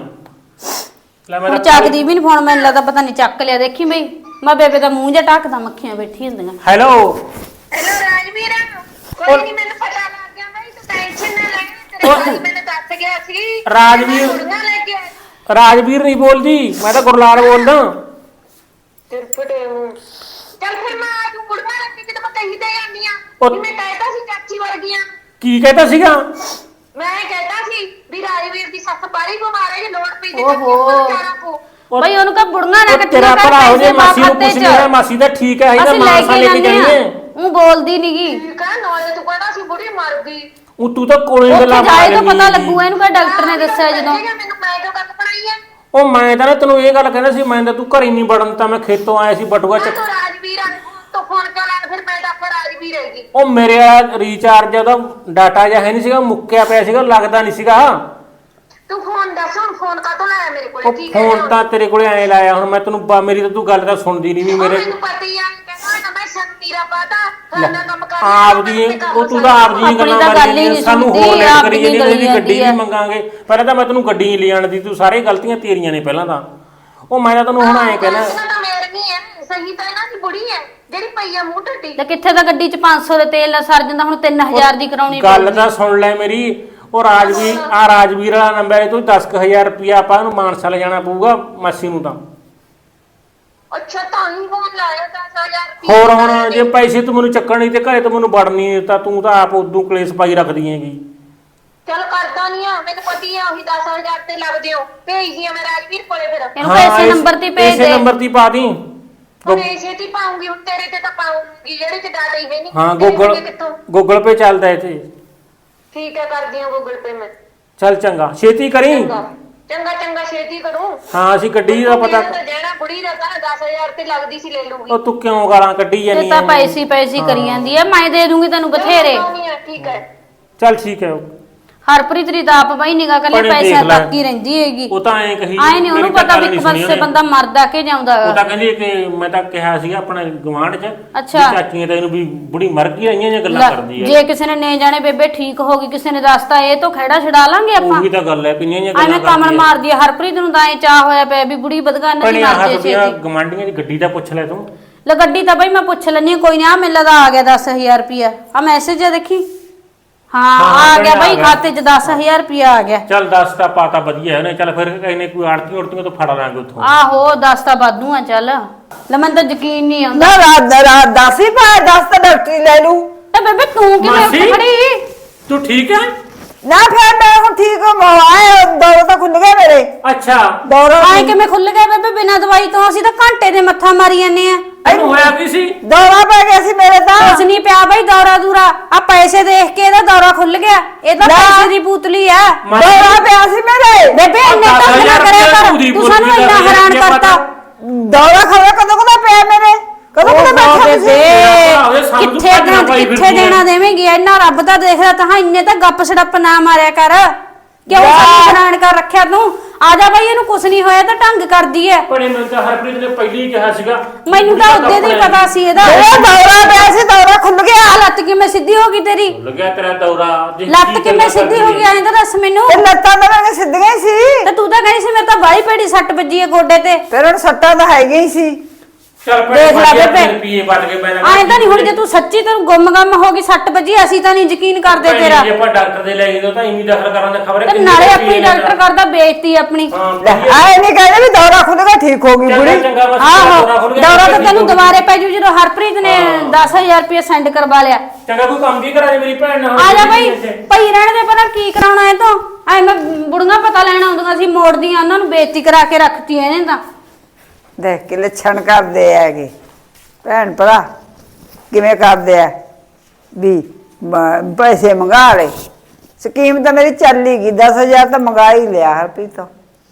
C: ਲੈ ਮੈਂ
A: ਹੁਣ
C: ਤਾਂ
A: ਚੱਕਦੀ ਵੀ ਨੀ ਫੋਨ, ਮੈਨੂੰ ਲੱਗਦਾ ਪਤਾ ਨਹੀਂ ਚੱਕ ਲਿਆ। ਦੇਖੀ ਬਈ ਮੈਂ ਬੇਬੇ ਦਾ ਮੂੰਹ ਜਿਹਾ ਢੱਕਦਾ, ਮੱਖੀਆਂ ਬੈਠੀ ਹੁੰਦੀਆਂ।
C: ਹੈਲੋ
F: ਹੈਲੋ ਰਾਜਵੀਰ, ਕੋਈ ਨਹੀਂ ਮੈਨੂੰ ਪਤਾ ਲੱਗ ਗਿਆ ਬਈ, ਤੂੰ ਟੈਨਸ਼ਨ ਨਾ ਲੈ। ਤੇਰੇ ਭਾਈ ਮੈਨੂੰ ਦੱਸ ਗਿਆ ਸੀ
C: ਰਾਜਵੀਰ
F: ਕੁੜੀਆਂ ਲੈ ਕੇ ਆਇਆ।
C: ਰਾਜਵੀਰ ਨਹੀਂ ਬੋਲਦੀ, ਮੈਂ ਤਾਂ ਗੁਰਲਾਲ ਬੋਲਦਾ।
F: ਤੇਰੇ ਫਟੇ ਮੂੰਹ। ਚੱਲ ਫਿਰ ਮੈਂ ਆ ਜੂ ਕੁੜੀਆਂ ਲੈ ਕੇ, ਜਦੋਂ ਮੈਂ ਕਹੀ ਤੇ ਜਾਂਦੀ ਆ
C: ਉਹ-
F: ਕਿ ਮੈਂ ਕਹਿਤਾ ਸੀ ਚਾਚੀ ਵਰਗੀਆਂ।
C: ਕੀ ਕਹਿੰਦਾ ਸੀਗਾ?
F: ਮੈਂ ਕਹਿਤਾ ਸੀ ਵੀ ਰਾਜਵੀਰ ਦੀ ਸੱਸ ਬਾਹਲੀ ਬਿਮਾਰ ਹੈ, ਜੇ ਲੋੜ ਪਈ ਤੇ
A: ਓਹੋ।
F: ਚਾਰਾ ਪੋ।
A: ਬਈ ਉਹਨੂੰ ਕਹ ਬੁੜੀਆਂ ਨਾ
C: ਉਹ ਤੇਰਾ ਭਰਾ ਹੋ ਜੇ, ਮਾਸੀ ਨੂੰ ਪੁੱਛ ਲਿਆ, ਮਾਸੀ ਦਾ ਠੀਕ ਹੈ, ਇਹਦਾ
A: ਅਸੀਂ ਲੈ
C: ਮਾਨਸਾ
A: ਕੇ
C: ਲੈ ਕੇ
A: ਜਾਂਦੇ
C: ਜਾਈਏ।
A: ਆ। ਉਹ ਬੋਲਦੀ ਨਹੀਂਗੀ,
F: ਠੀਕ ਆ, ਨਾਲੇ ਤੂੰ ਕਹਿੰਦਾ ਸੀ ਬੁੜੀ ਮਰ ਗਈ।
C: ਉਹ ਤੂੰ ਤਾਂ ਕੋਲੇ
A: ਉੱਥੇ
C: ਗੱਲਾਂ
A: ਜਾਏ ਤਾਂ
C: ਮਾਰ
A: ਪਤਾ
C: ਲੈਂਦੀ
A: ਲੱਗੂ, ਇਹਨੂੰ ਕਹ ਡਾਕਟਰ ਨੇ ਦੱਸਿਆ ਜਦੋਂ।
F: ਮੈਨੂੰ ਮੈਂ ਕਿਉਂ ਗੱਲ ਬਣਾਈ ਆ?
C: ਉਹ ਮੈਂ ਤਾਂ ਨਾ ਤੈਨੂੰ ਇਹ ਗੱਲ ਕਹਿੰਦਾ ਸੀ, ਮੈਂ ਤਾਂ ਤੂੰ ਘਰੇ ਨਹੀਂ ਵੜਨ ਤਾਂ ਮੈਂ ਖੇਤੋਂ ਆਇਆ ਸੀ ਬਟੂਆ ਚੱਕ।
F: ਤੂੰ ਰਾਜਵੀਰ ਆ ਤੂੰ ਫੋਨ ਕਿਉਂ ਲਾਇਆ? ਫਿਰ ਮੈਂ ਤਾਂ ਰਾਜਵੀਰ ਹੈਗੀ।
C: ਉਹ ਮੇਰੇ ਆ ਰੀਚਾਰਜ ਉਹਦਾ ਡਾਟਾ ਜਿਹਾ ਹੈ ਨਹੀਂ ਸੀਗਾ, ਮੁੱਕਿਆ ਪਿਆ ਸੀਗਾ, ਲੱਗਦਾ ਨਹੀਂ ਸੀਗਾ।
F: ਤੂੰ ਫੋਨ ਦੱਸ ਹੁਣ, ਫੋਨ ਕਾਹਤੋਂ ਲਾਇਆ ਮੇਰੇ ਕੋਲੇ?
C: ਉਹ
F: ਕੀ
C: ਫੋਨ ਤਾਂ ਤੇਰੇ ਕੋਲੇ ਐ ਲਾਇਆ, ਹੁਣ ਮੈਂ ਤੈਨੂੰ ਬਾ- ਮੇਰੀ ਤਾਂ ਤੂੰ ਗੱਲ ਤਾਂ ਸੁਣਦੀ ਨਹੀਂ ਵੀ ਮੇਰੇ
F: ਮੈਨੂੰ ਪਤਾ ਹੀ ਆ, ਕਹਿੰਦਾ ਨਾ ਮੈਂ ਸੰਤੀਰਾ ਪਾਤਾ ਨਾ ਕੰਮ ਕਰ
C: ਆਪਦੀ ਉਹ ਤੂੰ ਤਾਂ ਆਪਦੀ
A: ਆਪਣੀ
C: ਗੱਲਾਂ
A: ਤਾਂ
C: ਮਾਰੀ
A: ਗੱਲ ਹੀ
C: ਜਾਂਦੀ,
A: ਨਹੀਂ
C: ਸਾਨੂੰ
A: ਸੁਣਦੀ,
C: ਹੋਰ ਲੈ
A: ਆਪਦੀ
C: ਕਰੀ ਜਾਂਦੀ,
A: ਗਲੀ
C: ਉਹਦੀ ਗੱਡੀ
A: ਜਾਂਦੀ
C: ਵੀ
A: ਆ।
C: ਮੰਗਾਂਗੇ। ਪਹਿਲਾਂ ਤਾਂ ਮੈਂ ਤੈਨੂੰ ਗੱਡੀ ਨਹੀਂ ਲਿਆਣ ਦੀ, ਤੂੰ ਸਾਰੇ ਗਲਤੀਆਂ ਤੇਰੀਆਂ ਨੇ ਪਹਿਲਾਂ ਤਾਂ। ਉਹ ਮੈਂ ਤਾਂ ਤੈਨੂੰ ਹੁਣ ਐ ਕਹਿਣਾ,
F: ਤਾਂ ਮੇਰ ਨਹੀਂ ਹੈ, ਸਹੀ ਤਾਂ ਇਹਨਾਂ ਦੀ ਬੁੜੀ ਹੈ ਜਿਹੜੀ ਪਈ ਆ ਮੂੰਹ ਢੱਡੀ।
A: ਤੇ ਕਿੱਥੇ ਤਾਂ ਗੱਡੀ 'ਚ ਪੰਜ ਸੌ ਦੇ ਤੇਲ ਨਾਲ ਸਰ ਜਾਂਦਾ, ਹੁਣ ਤਿੰਨ ਹਜ਼ਾਰ ਦੀ ਕਰਾਉਣੀ
C: ਗੱਲ ਤਾਂ ਸੁਣ ਲੈ ਮੇਰੀ। ਉਹ ਰਾਜਵੀਰ ਆ ਰਾਜਵੀਰ ਵਾਲਾ ਨੰਬਰ ਹੈ, ਤੂੰ ਦਸ ਕੁ ਹਜ਼ਾਰ ਰੁਪਇਆ ਆਪਾਂ ਨੂੰ ਮਾਨਸਾ ਲੈ ਜਾਣਾ ਪਊਗਾ ਮਾਸੀ ਨੂੰ ਤਾਂ।
F: ਅੱਛਾ ਤਾਂ ਹੀ ਫੋਨ ਲਾਇਆ ਦਸ ਹਜ਼ਾਰ ਰੁਪਏ
C: ਹੋਰ ਹੁਣ ਜੇ ਪੈਸੇ ਤੂੰ ਮੈਨੂੰ ਚੱਕਣ ਨਹੀਂ ਤੇ ਘਰੇ ਤੂੰ ਮੈਨੂੰ ਵੜ ਨਹੀਂ ਦਿੱਤਾ, ਤੂੰ ਤਾਂ ਆਪ ਉਦੋਂ ਕਲੇਸ਼ ਪਾਈ ਰੱਖਦੀ ਹੈਗੀ।
F: ਚਲ ਕਰਦਾ ਨਹੀਂ ਆ, ਮੈਨੂੰ ਪਤੀ ਆ ਉਹੀ ਦਸ ਹਜ਼ਾਰ ਤੇ ਲੱਗਦੇ ਹੋ। ਭੇਜਦੀ ਆ ਮੈਂ ਰਾਜਵੀਰ ਕੋਲੇ ਫਿਰ।
A: ਇਹਨੂੰ ਪੈਸੇ ਨੰਬਰ ਤੇ ਭੇਜ
C: ਇਸੇ
A: ਦੇ।
C: ਨੰਬਰ ਤੇ ਪਾ ਦੀ।
F: ਹੁਣ ਇਸੇ ਤੇ ਹੀ ਪਾਉਂਗੀ, ਹੁਣ ਤੇਰੇ ਤੇ ਤਾਂ ਪਾਉਂਗੀ ਜਿਹੜੇ ਤੇ ਡਾਟਾ ਹੀ ਹੈ ਨਹੀਂ।
C: ਹਾਂ
F: ਤੇਰੇ
C: ਗੂਗਲ
F: ਕੋਲੇ ਕਿੱਥੋਂ?
C: ਗੂਗਲ ਪੇ ਚੱਲਦਾ ਇੱਥੇ।
F: ਠੀਕ ਹੈ ਕਰਦੀ ਆ ਗੂਗਲ ਪੇ ਮੈਂ।
C: ਚੱਲ ਚੰਗਾ ਛੇਤੀ ਕਰੀ।
F: ਚੰਗਾ ਚੰਗਾ ਚੰਗਾ ਛੇਤੀ ਕਰੂੰ।
C: ਹਾਂ ਅਸੀਂ ਗੱਡੀ ਦਾ ਪਤਾ।
F: ਤਾਂ ਜਿਹੜਾ ਬੁੜੀ ਦਾ ਤਾਂ ਦਸ ਹਜ਼ਾਰ ਤੇ ਲੱਗਦੀ ਸੀ ਲੈ ਲੂੰਗੀ।
C: ਉਹ ਤੂੰ ਕਿਉਂ ਗਾਲਾਂ ਕੱਢੀ
A: ਤੇ
C: ਜਾਨੀ
A: ਤਾਂ ਪੈਸੀ ਪੈਸੀ ਕਰੀ ਜਾਂਦੀ ਆ, ਮੈਂ ਦੇ ਦੂੰਗੀ ਤੈਨੂੰ ਬਥੇਰੇ।
F: ਠੀਕ ਹੈ
C: ਚੱਲ ਠੀਕ ਹੈ।
A: ਹਰਪ੍ਰੀਤ ਦੀ ਤਾਂ ਆਪ ਬਈ ਨਿਗਾ ਕੱਲੇ
C: ਭੈਣੇ
A: ਪੈਸਿਆਂ
C: ਦੇਖ ਲੈ।
A: ਤੱਕ ਹੀ ਰਹਿੰਦੀ ਹੈਗੀ।
C: ਉਹ ਤਾਂ ਐਂ ਕਹੀ
A: ਆਏ ਨਹੀਂ ਉਹਨੂੰ
C: ਮੇਰੀ ਤਾਂ
A: ਪਤਾ
C: ਗੱਲ
A: ਵੀ
C: ਨਹੀਂ
A: ਇੱਕ
C: ਸੁਣੀ
A: ਪਾਸੇ
C: ਉਹਨੇ।
A: ਬੰਦਾ ਮਰਦਾ ਕੇ ਜਾਂਦਾ
C: ਉਹ
A: ਹੈਗਾ।
C: ਤਾਂ ਕਹਿੰਦੀ ਕਿ ਮੈਂ ਤਾਂ ਕਿਹਾ ਸੀਗਾ ਆਪਣੇ ਗਵਾਂਢ 'ਚ
A: ਅੱਛਾ।
C: ਵੀ ਚਾਚੀਆਂ ਤਾਂ ਇਹਨੂੰ ਵੀ ਬੁੜੀ ਮਰ ਗਈ ਆਈਆਂ ਜਾਂ ਗੱਲਾਂ
A: ਲੈ,
C: ਕਰਦੀ ਹੈ।
A: ਜੇ ਕਿਸੇ ਨੇ ਨੇ ਜਾਣੇ ਬੇਬੇ ਠੀਕ ਹੋ ਗਈ, ਕਿਸੇ ਨੇ ਦੱਸਤਾ ਇਹ ਤੋਂ ਖਹਿੜਾ ਛਡਾ ਲਾਂਗੇ ਆਪਾਂ।
C: ਉਹੀ ਤਾਂ ਗੱਲ ਹੈ, ਕਿੰਨੀਆਂ ਜਾਂ
A: ਐਵੇਂ
C: ਗੱਲਾਂ
A: ਕਮਲ
C: ਕਰਦੀ ਹੈ।
A: ਮਾਰਦੀ ਹੈ ਹਰਪ੍ਰੀਤ ਨੂੰ ਤਾਂ ਐ ਚਾਹ ਹੋਇਆ ਪਿਆ ਵੀ ਬੁੜੀ ਬਦਗਾਨ ਦੀ
C: ਭੈਣੇ
A: ਮਰ
C: ਆਹ
A: ਜੇ
C: ਰੁਪਿਆ
A: ਛੇਤੀ।
C: ਗਵਾਂਢੀਆਂ ਦੀ ਗੱਡੀ ਦਾ ਪੁੱਛ ਲੈ ਤੂੰ।
A: ਲੈ ਗੱਡੀ ਤਾਂ ਬਈ ਮੈਂ ਪੁੱਛ ਲੈਣੀ ਕੋਈ ਨਾ, ਮੈਨੂੰ ਲੱਗਦਾ ਆ ਗਿਆ ਦਸ ਹਜ਼ਾਰ ਰੁਪਿਆ। ਆ ਮੈਸੇਜ ਆ ਦੇਖੀ। ਹਾਂ
C: ਹਾਂ,
A: ਆ ਗਿਆ
C: ਭੈਣੇ,
A: ਬਈ
C: ਆ ਗਿਆ।
A: ਖਾਤੇ 'ਚ ਦਸ ਹਜ਼ਾਰ ਰੁਪਿਆ ਆ ਗਿਆ।
C: ਚੱਲ ਦੱਸ ਤਾਂ ਪਾਤਾ ਵਧੀਆ ਹੈ ਨਾ। ਚੱਲ ਫਿਰ ਇਹਨੇ ਕੋਈ ਆੜਤੀ ਉੜਤੀਆਂ ਤੋਂ ਫੜ ਲਾਂਗੇ ਉੱਥੋਂ।
A: ਆਹੋ ਦਸ ਤਾਂ ਵਾਧੂ ਆ ਚੱਲ। ਲੈ ਮੈਨੂੰ ਤਾਂ ਯਕੀਨ ਨਹੀਂ ਆਉਂਦਾ।
B: ਨਾ ਰਾਤ ਦਾ ਰਾਤ ਦਸ ਹੀ ਪਾ ਦਸ ਤਾਂ ਡਾਕਟਰੀ ਲੈ ਲੂ।
A: ਤੇ ਬੇਬੇ ਤੂੰ ਕਿਵੇਂ
C: ਮਾਸੀ?
A: ਉੱਠ ਖੜੀ?
C: ਤੂੰ ਠੀਕ ਹੈ?
B: ਨਾ ਫਿਰ ਮੈਂ ਹੁਣ ਠੀਕ ਹਾਂ, ਆਏ ਦੌੜ ਤਾਂ ਖੁੱਲ ਗਏ ਮੇਰੇ।
C: ਅੱਛਾ
B: ਦੌੜ
A: ਆਏ ਕਿਵੇਂ ਖੁੱਲ ਗਏ ਬੇਬੇ ਬਿਨਾਂ ਦਵਾਈ ਤੋਂ? ਅਸੀਂ ਤਾਂ ਘੰਟੇ ਦੇ ਮੱਥਾ ਮਾਰੀ ਜਾਂਦੇ ਆ।
C: ਤੈਨੂੰ ਹੋਇਆ ਕੀ ਸੀ?
B: ਦੌੜਾ ਪੈ ਗਿਆ ਸੀ ਮੇਰੇ ਤਾਂ।
A: ਕੁਛ ਨਹੀਂ ਪਿਆ ਬਈ ਦੌਰਾ ਦੂਰਾ। ਆ ਪੈਸੇ ਦੇਖ ਕੇ ਇਹਦਾ ਦੌਰਾ ਖੁੱਲ ਗਿਆ। ਇਹ ਤਾਂ
B: ਲੈ।
A: ਪੈਸੇ ਦੀ ਪੁਤਲੀ ਆ।
B: ਦੌੜਾ ਪਿਆ ਸੀ ਮੇਰੇ।
A: ਬੇਬੇ ਇੰਨੇ
C: ਦਸ
A: ਤਾਂ ਨਾ
C: ਹਜ਼ਾਰ
A: ਕਰਿਆ ਕਰ,
C: ਪੂਰੀ
A: ਤੂੰ ਸਾਨੂੰ
C: ਪੂਰੀ
A: ਇੰਨਾ
C: ਦਸ
A: ਹੈਰਾਨ
C: ਹਜ਼ਾਰ
A: ਕਰਤਾ।
B: ਦੌੜਾ ਖੜਾ ਕਦੋਂ ਕਦੋਂ ਪਿਆ ਮੇਰੇ? ਕਦੋਂ ਕਦੋਂ ਬੈਠਾ
A: ਬੇਬੇ
B: ਤੁਸੀਂ?
A: ਕਿੱਥੇ ਦੇਣਾ ਕਿੱਥੇ ਦੇਣਾ ਦੇਵੇਂਗੀ? ਇੰਨਾ ਰੱਬ ਦਾ ਦੇਖਦਾ ਤਾਂ ਇੰਨੇ ਤਾਂ ਗੱਪ ਸੜੱਪ ਨਾ ਮਾਰਿਆ ਕਰ। ਕਿਉਂ ਸਾਨੂੰ ਹੈਰਾਨ ਕਰ ਰੱਖਿਆ ਤੂੰ? ਆ ਜਾ ਬਈ ਇਹਨੂੰ ਕੁਛ ਨਹੀਂ ਹੋਇਆ ਤਾਂ ਢੰਗ ਕਰਦੀ ਐ।
C: ਭੈਣੇ ਮੈਨੂੰ ਤਾਂ ਹਰਪ੍ਰੀਤ ਨੇ ਪਹਿਲੀ ਹੀ ਕਿਹਾ ਸੀਗਾ।
A: ਮੈਨੂੰ ਤਾਂ ਉਹਦੇ ਦਾ ਹੀ ਪਤਾ ਸੀ ਇਹਦਾ।
B: ਇਹ ਦੌੜਾ ਪਿਆ ਸੀ, ਦੌੜਾ ਖੁੱਲ ਗਿਆ।
A: ਆ ਲੱਤ ਕਿਵੇਂ ਸਿੱਧੀ ਹੋ ਗਈ ਤੇਰੀ?
C: ਲੱਗਿਆ ਤੇਰਾ ਦੌਰਾ। ਜੇ
A: ਲੱਤ
C: ਕੀ
A: ਕਿਵੇਂ
C: ਗੱਲਾਂ
A: ਸਿੱਧੀ ਹੋ
C: ਕਰਦੀ
A: ਗਈ ਐਂ ਤਾਂ ਦੱਸ ਮੈਨੂੰ।
B: ਇਹ ਲੱਤਾਂ ਤਾਂ ਮੇਰੇ ਸਿੱਧੀਆਂ ਹੀ ਸੀ।
A: ਤੇ ਤੂੰ ਤਾਂ ਕਹਿੰਦੀ ਸੀ ਮੇਰੇ ਤਾਂ ਬਾਹਲੀ ਭੈੜੀ ਸੱਟ ਵੱਜੀ ਐ ਗੋਡੇ ਤੇ।
B: ਫਿਰ ਹੁਣ ਸੱਟਾਂ ਤਾਂ ਹੈਗੀਆਂ ਹੀ ਸੀ।
C: ਚੱਲ
A: ਦੇਖ ਲੈ ਬੇਬੇ।
C: ਰੁਪਏ ਵੱਟ ਕੇ ਪੈਣਾ।
A: ਐਂ ਤਾਂ ਨਹੀਂ ਹੁਣ ਜੇ ਤੂੰ ਸੱਚੀ ਤੈਨੂੰ ਗੁੰਮ ਗੰਮ ਹੋ ਗਈ ਸੱਟ ਵੱਜੀ, ਅਸੀਂ ਤਾਂ ਨਹੀਂ ਯਕੀਨ ਕਰਦੇ ਤੇਰਾ।
C: ਜੇ ਆਪਾਂ ਡਾਕਟਰ ਦੇ ਲੈ ਗਏ ਤਾਂ ਇਵੇਂ ਦਾਖਲ ਕਰਾਂ ਦਾ ਖਬਰ ਹੈ।
A: ਤੇ ਨਾਲੇ ਆਪਣੀ ਡਾਕਟਰ ਕਰਦਾ ਬੇਇੱਜ਼ਤੀ ਆਪਣੀ।
B: ਲੈ ਆਏ ਨਹੀਂ ਕਹਿੰਦੇ ਵੀ ਦੌੜਾ ਖੁੱਲ ਗਿਆ ਠੀਕ ਹੋ ਗਈ ਬੁੜੀ।
A: ਆਹੋ ਦੌਰਾ ਤਾਂ ਤੈਨੂੰ ਦੁਬਾਰੇ ਪੈ ਜੂ ਜਦੋਂ ਹਰਪ੍ਰੀਤ ਨੇ ਦਸ ਹਜ਼ਾਰ ਰੁਪਏ ਸੈਂਡ ਕਰਵਾ ਲਿਆ।
C: ਚੰਗਾ ਕੋਈ ਕੰਮ ਕੀ ਕਰਾ ਦੇ ਮੇਰੀ ਭੈਣ ਨਾਲ।
A: ਆ ਜਾ ਬਈ ਪਈ ਰਹਿਣ ਦੇ, ਪਤਾ ਕੀ ਕਰਾਉਣਾ ਇਹ ਤੋਂ। ਐ ਮੈਂ ਬੁੜੀਆਂ ਪਤਾ ਲੈਣ ਆਉਂਦੀਆਂ ਸੀ, ਮੋੜਦੀਆਂ ਉਹਨਾਂ ਨੂੰ ਬੇਇੱਜ਼ਤੀ ਕਰਾ ਕੇ ਰੱਖਤੀ ਇਹਨੇ ਤਾਂ।
B: ਦੇਖ ਕੇ ਲੱਛਣ ਕਰਦੇ ਹੈਗੇ ਭੈਣ ਭਰਾ ਕਿਵੇਂ ਕਰਦੇ ਆ ਵੀ ਮ- ਪੈਸੇ ਮੰਗਾ ਲੈ। ਸਕੀਮ ਤਾਂ ਮੇਰੀ ਚੱਲ ਹੀ ਗਈ, ਦਸ ਹਜ਼ਾਰ ਤਾਂ ਮੰਗਾ ਹੀ ਲਿਆ ਹਰਪ੍ਰੀਤ ਤੋਂ।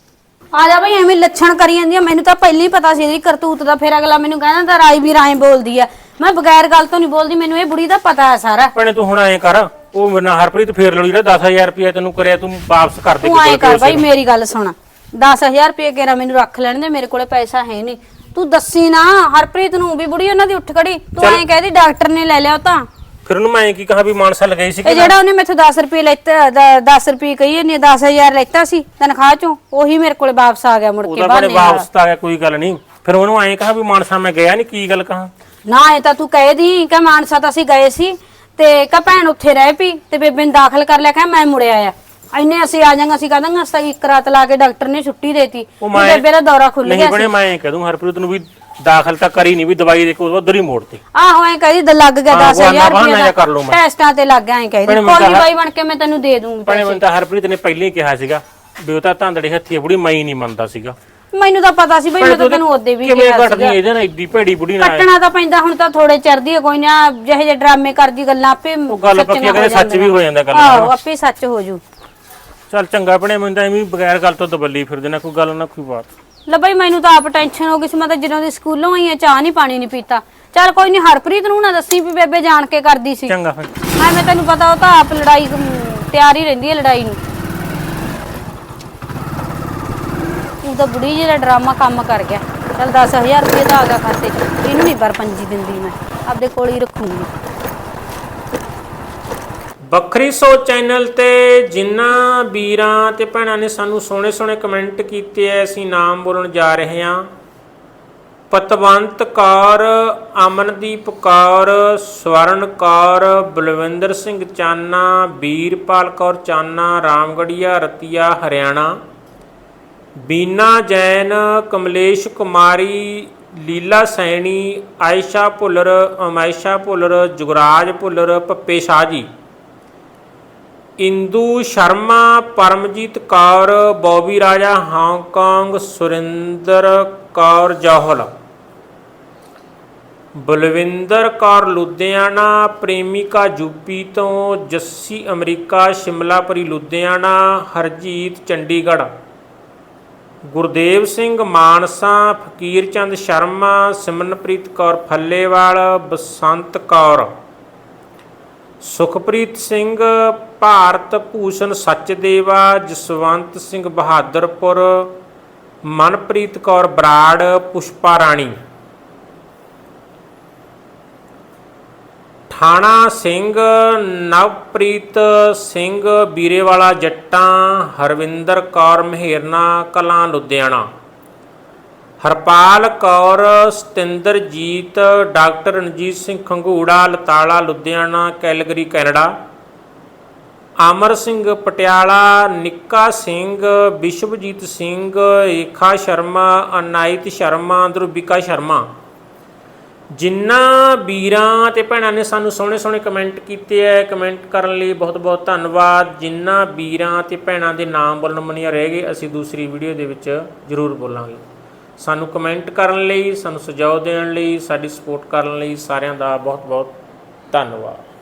A: ਆ ਜਾ ਬਈ ਐਵੇਂ ਲੱਛਣ ਕਰੀ ਜਾਂਦੀ ਆ। ਮੈਨੂੰ ਤਾਂ ਪਹਿਲਾਂ ਹੀ ਪਤਾ ਸੀ ਇਹਦੀ ਕਰਤੂਤ ਦਾ। ਫਿਰ ਅਗਲਾ ਮੈਨੂੰ ਕਹਿੰਦਾ ਤਾਂ ਰਾਈ ਵੀ ਰਾਏ ਬੋਲਦੀ ਆ। ਮੈਂ ਬਗੈਰ ਗੱਲ ਤੋਂ ਨਹੀਂ ਬੋਲਦੀ, ਮੈਨੂੰ ਇਹ ਬੁੜੀ ਦਾ ਪਤਾ ਹੈ ਸਾਰਾ।
C: ਭੈਣੇ ਤੂੰ ਹੁਣ ਐਂ ਕਰ, ਉਹ ਮੇਰੇ ਨਾਲ ਹਰਪ੍ਰੀਤ ਫੇਰ ਲੜੀ ਨਾ ਦਸ ਹਜ਼ਾਰ ਰੁਪਏ ਤੈਨੂੰ ਕਰਿਆ, ਤੂੰ ਵਾਪਸ ਕਰ ਦੇ।
A: ਤੂੰ ਐਂ ਕਰ ਬਈ ਮੇਰੀ ਗੱਲ ਸੁਣ, ਦਸ ਹਜ਼ਾਰ ਰੁਪਏ ਕੇਰਾ ਮੈਨੂੰ ਰੱਖ ਲੈਣ ਦੇ, ਮੇਰੇ ਕੋਲੇ ਪੈਸਾ ਹੈ ਨਹੀਂ। ਤੂੰ ਦੱਸੀ ਨਾ ਹਰਪ੍ਰੀਤ ਨੂੰ ਵੀ ਬੁੜੀ ਉਹਨਾਂ ਦੀ ਉੱਠ ਖੜੀ। ਤੂੰ ਐਂ ਕਹਿਦੀ ਡਾਕਟਰ ਨੇ ਲੈ ਲਿਆ ਉਹ ਤਾਂ।
C: ਫਿਰ ਉਹਨੂੰ ਮੈਂ ਕੀ ਕਹਾ ਵੀ ਮਾਨਸਾ ਲਗਾਈ ਸੀ
A: ਇਹ ਜਿਹੜਾ ਉਹਨੇ ਮੈਥੋਂ ਦਸ ਰੁਪਏ ਲੈਤਾ, ਦਸ ਰੁਪਏ ਕਹੀ ਇਹਨੇ ਦਸ ਹਜ਼ਾਰ ਲੈਤਾ ਸੀ ਤਨਖਾਹ ਚੋਂ, ਉਹੀ ਮੇਰੇ ਕੋਲੇ ਵਾਪਸ ਆ ਗਿਆ ਮੁੜ ਕੇ
C: ਉਹਦਾ
A: ਬਾਹਰ।
C: ਬਣੇ ਵਾਪਸ ਤਾਂ ਆ ਗਿਆ, ਕੋਈ ਗੱਲ ਨਹੀਂ। ਫਿਰ ਉਹਨੂੰ ਐਂ ਕਹਾ ਵੀ ਮਾਨਸਾ ਮੈਂ ਗਿਆ ਨਹੀਂ, ਕੀ ਗੱਲ ਕਹਾ?
A: ਨਾ ਇਹ ਤਾਂ ਤੂੰ ਕਹਿ ਦੀ ਕਿ ਮਾਨਸਾ ਤਾਂ ਅਸੀਂ ਗਏ ਸੀ ਤੇ ਕਹ ਭੈਣ ਉੱਥੇ ਰਹਿ ਪਈ ਤੇ ਬੇਬੇ ਨੂੰ ਦਾਖਲ ਕਰ ਲਿਆ, ਕਹ ਮੈਂ ਮੁੜਿਆ ਆ ਇੰਨੇ ਅਸੀਂ ਆ ਜਾਾਂਗੇ। ਅਸੀਂ ਕਹਾਂਗੇ ਅਸਾਂ ਇੱਕ ਰਾਤ ਲਾ ਕੇ ਡਾਕਟਰ ਨੇ ਛੁੱਟੀ ਦੇਤੀ, ਬੇਬੇ ਦਾ ਦੌਰਾ ਖੁੱਲ ਗਿਆ
C: ਨਹੀਂ ਬਣੇ ਮੈਂ ਐਂ ਕਹਿ ਦੂੰ ਹਰਪ੍ਰੀਤ ਨੂੰ ਵੀ ਦਾਖਲ ਤਾਂ ਕਰੀ ਨਹੀਂ, ਵੀ ਦਵਾਈ ਦੇ ਕੇ ਉਧਰ ਹੀ ਮੋੜਤੀ।
A: ਆਹੋ ਐਂ ਕਹਦੀ ਲੱਗ ਗਿਆ ਦਸ ਹਜ਼ਾਰ
C: ਰੁਪਏ ਕਰ ਲਊ ਮੈਂ
A: ਟੈਸਟਾਂ ਤੇ ਲੱਗ ਗਿਆ। ਐਂ ਕਹਦੀ ਕੋਈ ਬਾਈ ਬਣ ਕੇ ਮੈਂ ਤੈਨੂੰ ਦੇ ਦੂੰਗੀ
C: ਭੈਣੇ ਮੈਨੂੰ ਤਾਂ ਹਰਪ੍ਰੀਤ ਨੇ ਪਹਿਲਾਂ ਹੀ ਕਿਹਾ ਸੀਗਾ ਵੀ ਉਹ ਤਾਂ ਧਾਂਦੜੇ ਹੱਥੀ ਬੁੜੀ ਮੈਂ ਹੀ ਨਹੀਂ ਮੰਨਦਾ ਸੀਗਾ।
A: ਮੈਨੂੰ ਤਾਂ ਪਤਾ ਸੀ ਬਈ, ਮੈਂ ਤਾਂ ਤੈਨੂੰ ਉਹਦੇ ਵੀ
C: ਕਿਵੇਂ
A: ਕਿਹਾ
C: ਘਟਦੀ
A: ਸੀਗਾ।
C: ਇਹਦੇ ਨਾਲ ਏਡੀ ਭੈੜੀ ਬੁੜੀ ਨਾਲ
A: ਕੱਟਣਾ ਤਾਂ ਪੈਂਦਾ, ਹੁਣ ਤਾਂ ਥੋੜੇ ਚਿਰਦੀ ਹੈ ਕੋਈ ਨਾ, ਜਿਹੇ ਜਿਹੇ ਡਰਾਮੇ ਕਰਦੀ ਗੱਲਾਂ ਆਪੇ
C: ਉਹ ਗੱਲ ਪੱਕੀ ਕਹਿੰਦੇ ਸੱਚ ਵੀ ਹੋ ਜਾਂਦਾ ਗੱਲ।
A: ਆਹੋ ਆਪੇ ਸੱਚ ਹੋ ਜੂ।
C: ਚੱਲ ਚੰਗਾ ਭੈਣੇ, ਮੈਨੂੰ ਤਾਂ ਐਵੇਂ ਬਗੈਰ ਗੱਲ ਤੋਂ ਦਬੱਲੀ ਫਿਰਦੇ ਨਾ, ਕੋਈ ਗੱਲ ਨਾ ਕੋਈ ਬਾਤ।
A: ਲੈ ਬਈ ਮੈਨੂੰ ਤਾਂ ਆਪ ਟੈਨਸ਼ਨ ਹੋ ਗਈ ਸੀ, ਮੈਂ ਤਾਂ ਜਦੋਂ ਦੀ ਸਕੂਲੋਂ ਆਈ ਆ ਚਾਹ ਨਹੀਂ ਪਾਣੀ ਨਹੀਂ ਪੀਤਾ। ਚੱਲ ਕੋਈ ਨਹੀਂ ਹਰਪ੍ਰੀਤ ਨੂੰ ਨਾ ਦੱਸੀ ਵੀ ਬੇਬੇ ਜਾਣ ਕੇ ਕਰਦੀ ਸੀ।
C: ਚੰਗਾ ਫਿਰ
A: ਹਾਂ ਮੈਂ ਤੈਨੂੰ ਪਤਾ ਉਹ ਤਾਂ ਆਪ ਲੜਾਈ ਅਮ, ਤਿਆਰ ਹੀ ਰਹਿੰਦੀ ਹੈ ਲੜਾਈ ਨੂੰ। ਉਹ ਤਾਂ ਬੁੜੀ ਜਿਹੜਾ ਡਰਾਮਾ ਕੰਮ ਕਰ ਗਿਆ। ਚੱਲ ਦਸ ਹਜ਼ਾਰ ਰੁਪਏ ਦਾ ਆ ਗਿਆ ਖਾਤੇ 'ਚ, ਇਹਨੂੰ ਨਹੀਂ ਪਰ ਪੰਜੀ ਦਿੰਦੀ ਮੈਂ, ਆਪਦੇ ਕੋਲ ਹੀ ਰੱਖੂੰਗੀ।
C: ਵੱਖਰੀ ਸੋਚ ਚੈਨਲ ਤੇ ਜਿਨ੍ਹਾਂ ਵੀਰਾਂ ਤੇ ਭੈਣਾਂ ਨੇ ਸਾਨੂੰ ਸੋਹਣੇ ਸੋਹਣੇ ਕਮੈਂਟ ਕੀਤੇ ਐ, ਅਸੀਂ ਨਾਮ ਬੋਲਣ ਜਾ ਰਹੇ ਹਾਂ। ਪਤਵੰਤ ਕੌਰ, ਅਮਨਦੀਪ ਕੌਰ, ਸਵਰਨ ਕੌਰ, ਬਲਵਿੰਦਰ ਸਿੰਘ ਚਾਨਾ, ਵੀਰਪਾਲ ਕੌਰ ਚਾਨਾ, ਰਾਮਗੜੀਆ ਰਤੀਆ ਹਰਿਆਣਾ, ਬੀਨਾ ਜੈਨ, ਕਮਲੇਸ਼ ਕੁਮਾਰੀ, ਲੀਲਾ ਸੈਣੀ, ਆਇਸ਼ਾ ਭੁੱਲਰ, ਅਮਾਇਸ਼ਾ ਭੁੱਲਰ, ਜੁਗਰਾਜ ਭੁੱਲਰ, ਪੱਪੇ ਸ਼ਾਹ ਜੀ, Indu Sharma, Paramjit Kaur, Bobby Raja Hong Kong, Surinder Kaur Johal, Balwinder Kaur Ludhiana, Premika UP ਤੋਂ, ਜੱਸੀ ਅਮਰੀਕਾ, ਸ਼ਿਮਲਾਪੁਰੀ ਲੁਧਿਆਣਾ, ਹਰਜੀਤ ਚੰਡੀਗੜ੍ਹ, ਗੁਰਦੇਵ ਸਿੰਘ ਮਾਨਸਾ, ਫਕੀਰ ਚੰਦ ਸ਼ਰਮਾ, ਸਿਮਰਨਪ੍ਰੀਤ ਕੌਰ ਫੱਲੇਵਾਲ, ਬਸੰਤ ਕੌਰ, ਸੁਖਪ੍ਰੀਤ ਸਿੰਘ, ਭਾਰਤ ਭੂਸ਼ਣ ਸਚਦੇਵਾ, ਜਸਵੰਤ ਸਿੰਘ ਬਹਾਦਰਪੁਰ, ਮਨਪ੍ਰੀਤ ਕੌਰ ਬਰਾੜ, ਪੁਸ਼ਪਾ ਰਾਣੀ, ਠਾਣਾ Singh, Navpreet Singh, Birewala Jattan, Harvinder Kaur Maherna Kalan Ludhiana, Harpal Kaur, Satinderjit, doctor Ranjit Singh Khangura, Latala Ludhiana, Calgary Canada, Amar Singh Patiala, Nikka Singh, Vishwajit Singh, ਰੇਖਾ ਸ਼ਰਮਾ, ਅਨਾਇਤ ਸ਼ਰਮਾ, ਧਰੁਵਿਕਾ ਸ਼ਰਮਾ। ਜਿਨ੍ਹਾਂ ਵੀਰਾਂ ਤੇ ਭੈਣਾਂ ਨੇ ਸਾਨੂੰ ਸੋਹਣੇ ਸੋਹਣੇ ਕਮੈਂਟ ਕੀਤੇ ਹੈ, ਕਮੈਂਟ ਕਰਨ ਲਈ ਬਹੁਤ ਬਹੁਤ ਧੰਨਵਾਦ। ਜਿਨ੍ਹਾਂ ਵੀਰਾਂ ਤੇ ਭੈਣਾਂ ਦੇ ਨਾਮ ਬੋਲਣ ਮਨੀਆਂ ਰਹਿ ਗਏ, ਅਸੀਂ ਦੂਸਰੀ ਵੀਡੀਓ ਦੇ ਵਿੱਚ ਜ਼ਰੂਰ ਬੋਲਾਂਗੇ। ਸਾਨੂੰ ਕਮੈਂਟ ਕਰਨ ਲਈ, ਸਾਨੂੰ ਸੁਝਾਅ ਦੇਣ ਲਈ, ਸਾਡੀ ਸਪੋਰਟ ਕਰਨ ਲਈ ਸਾਰਿਆਂ ਦਾ ਬਹੁਤ ਬਹੁਤ ਧੰਨਵਾਦ।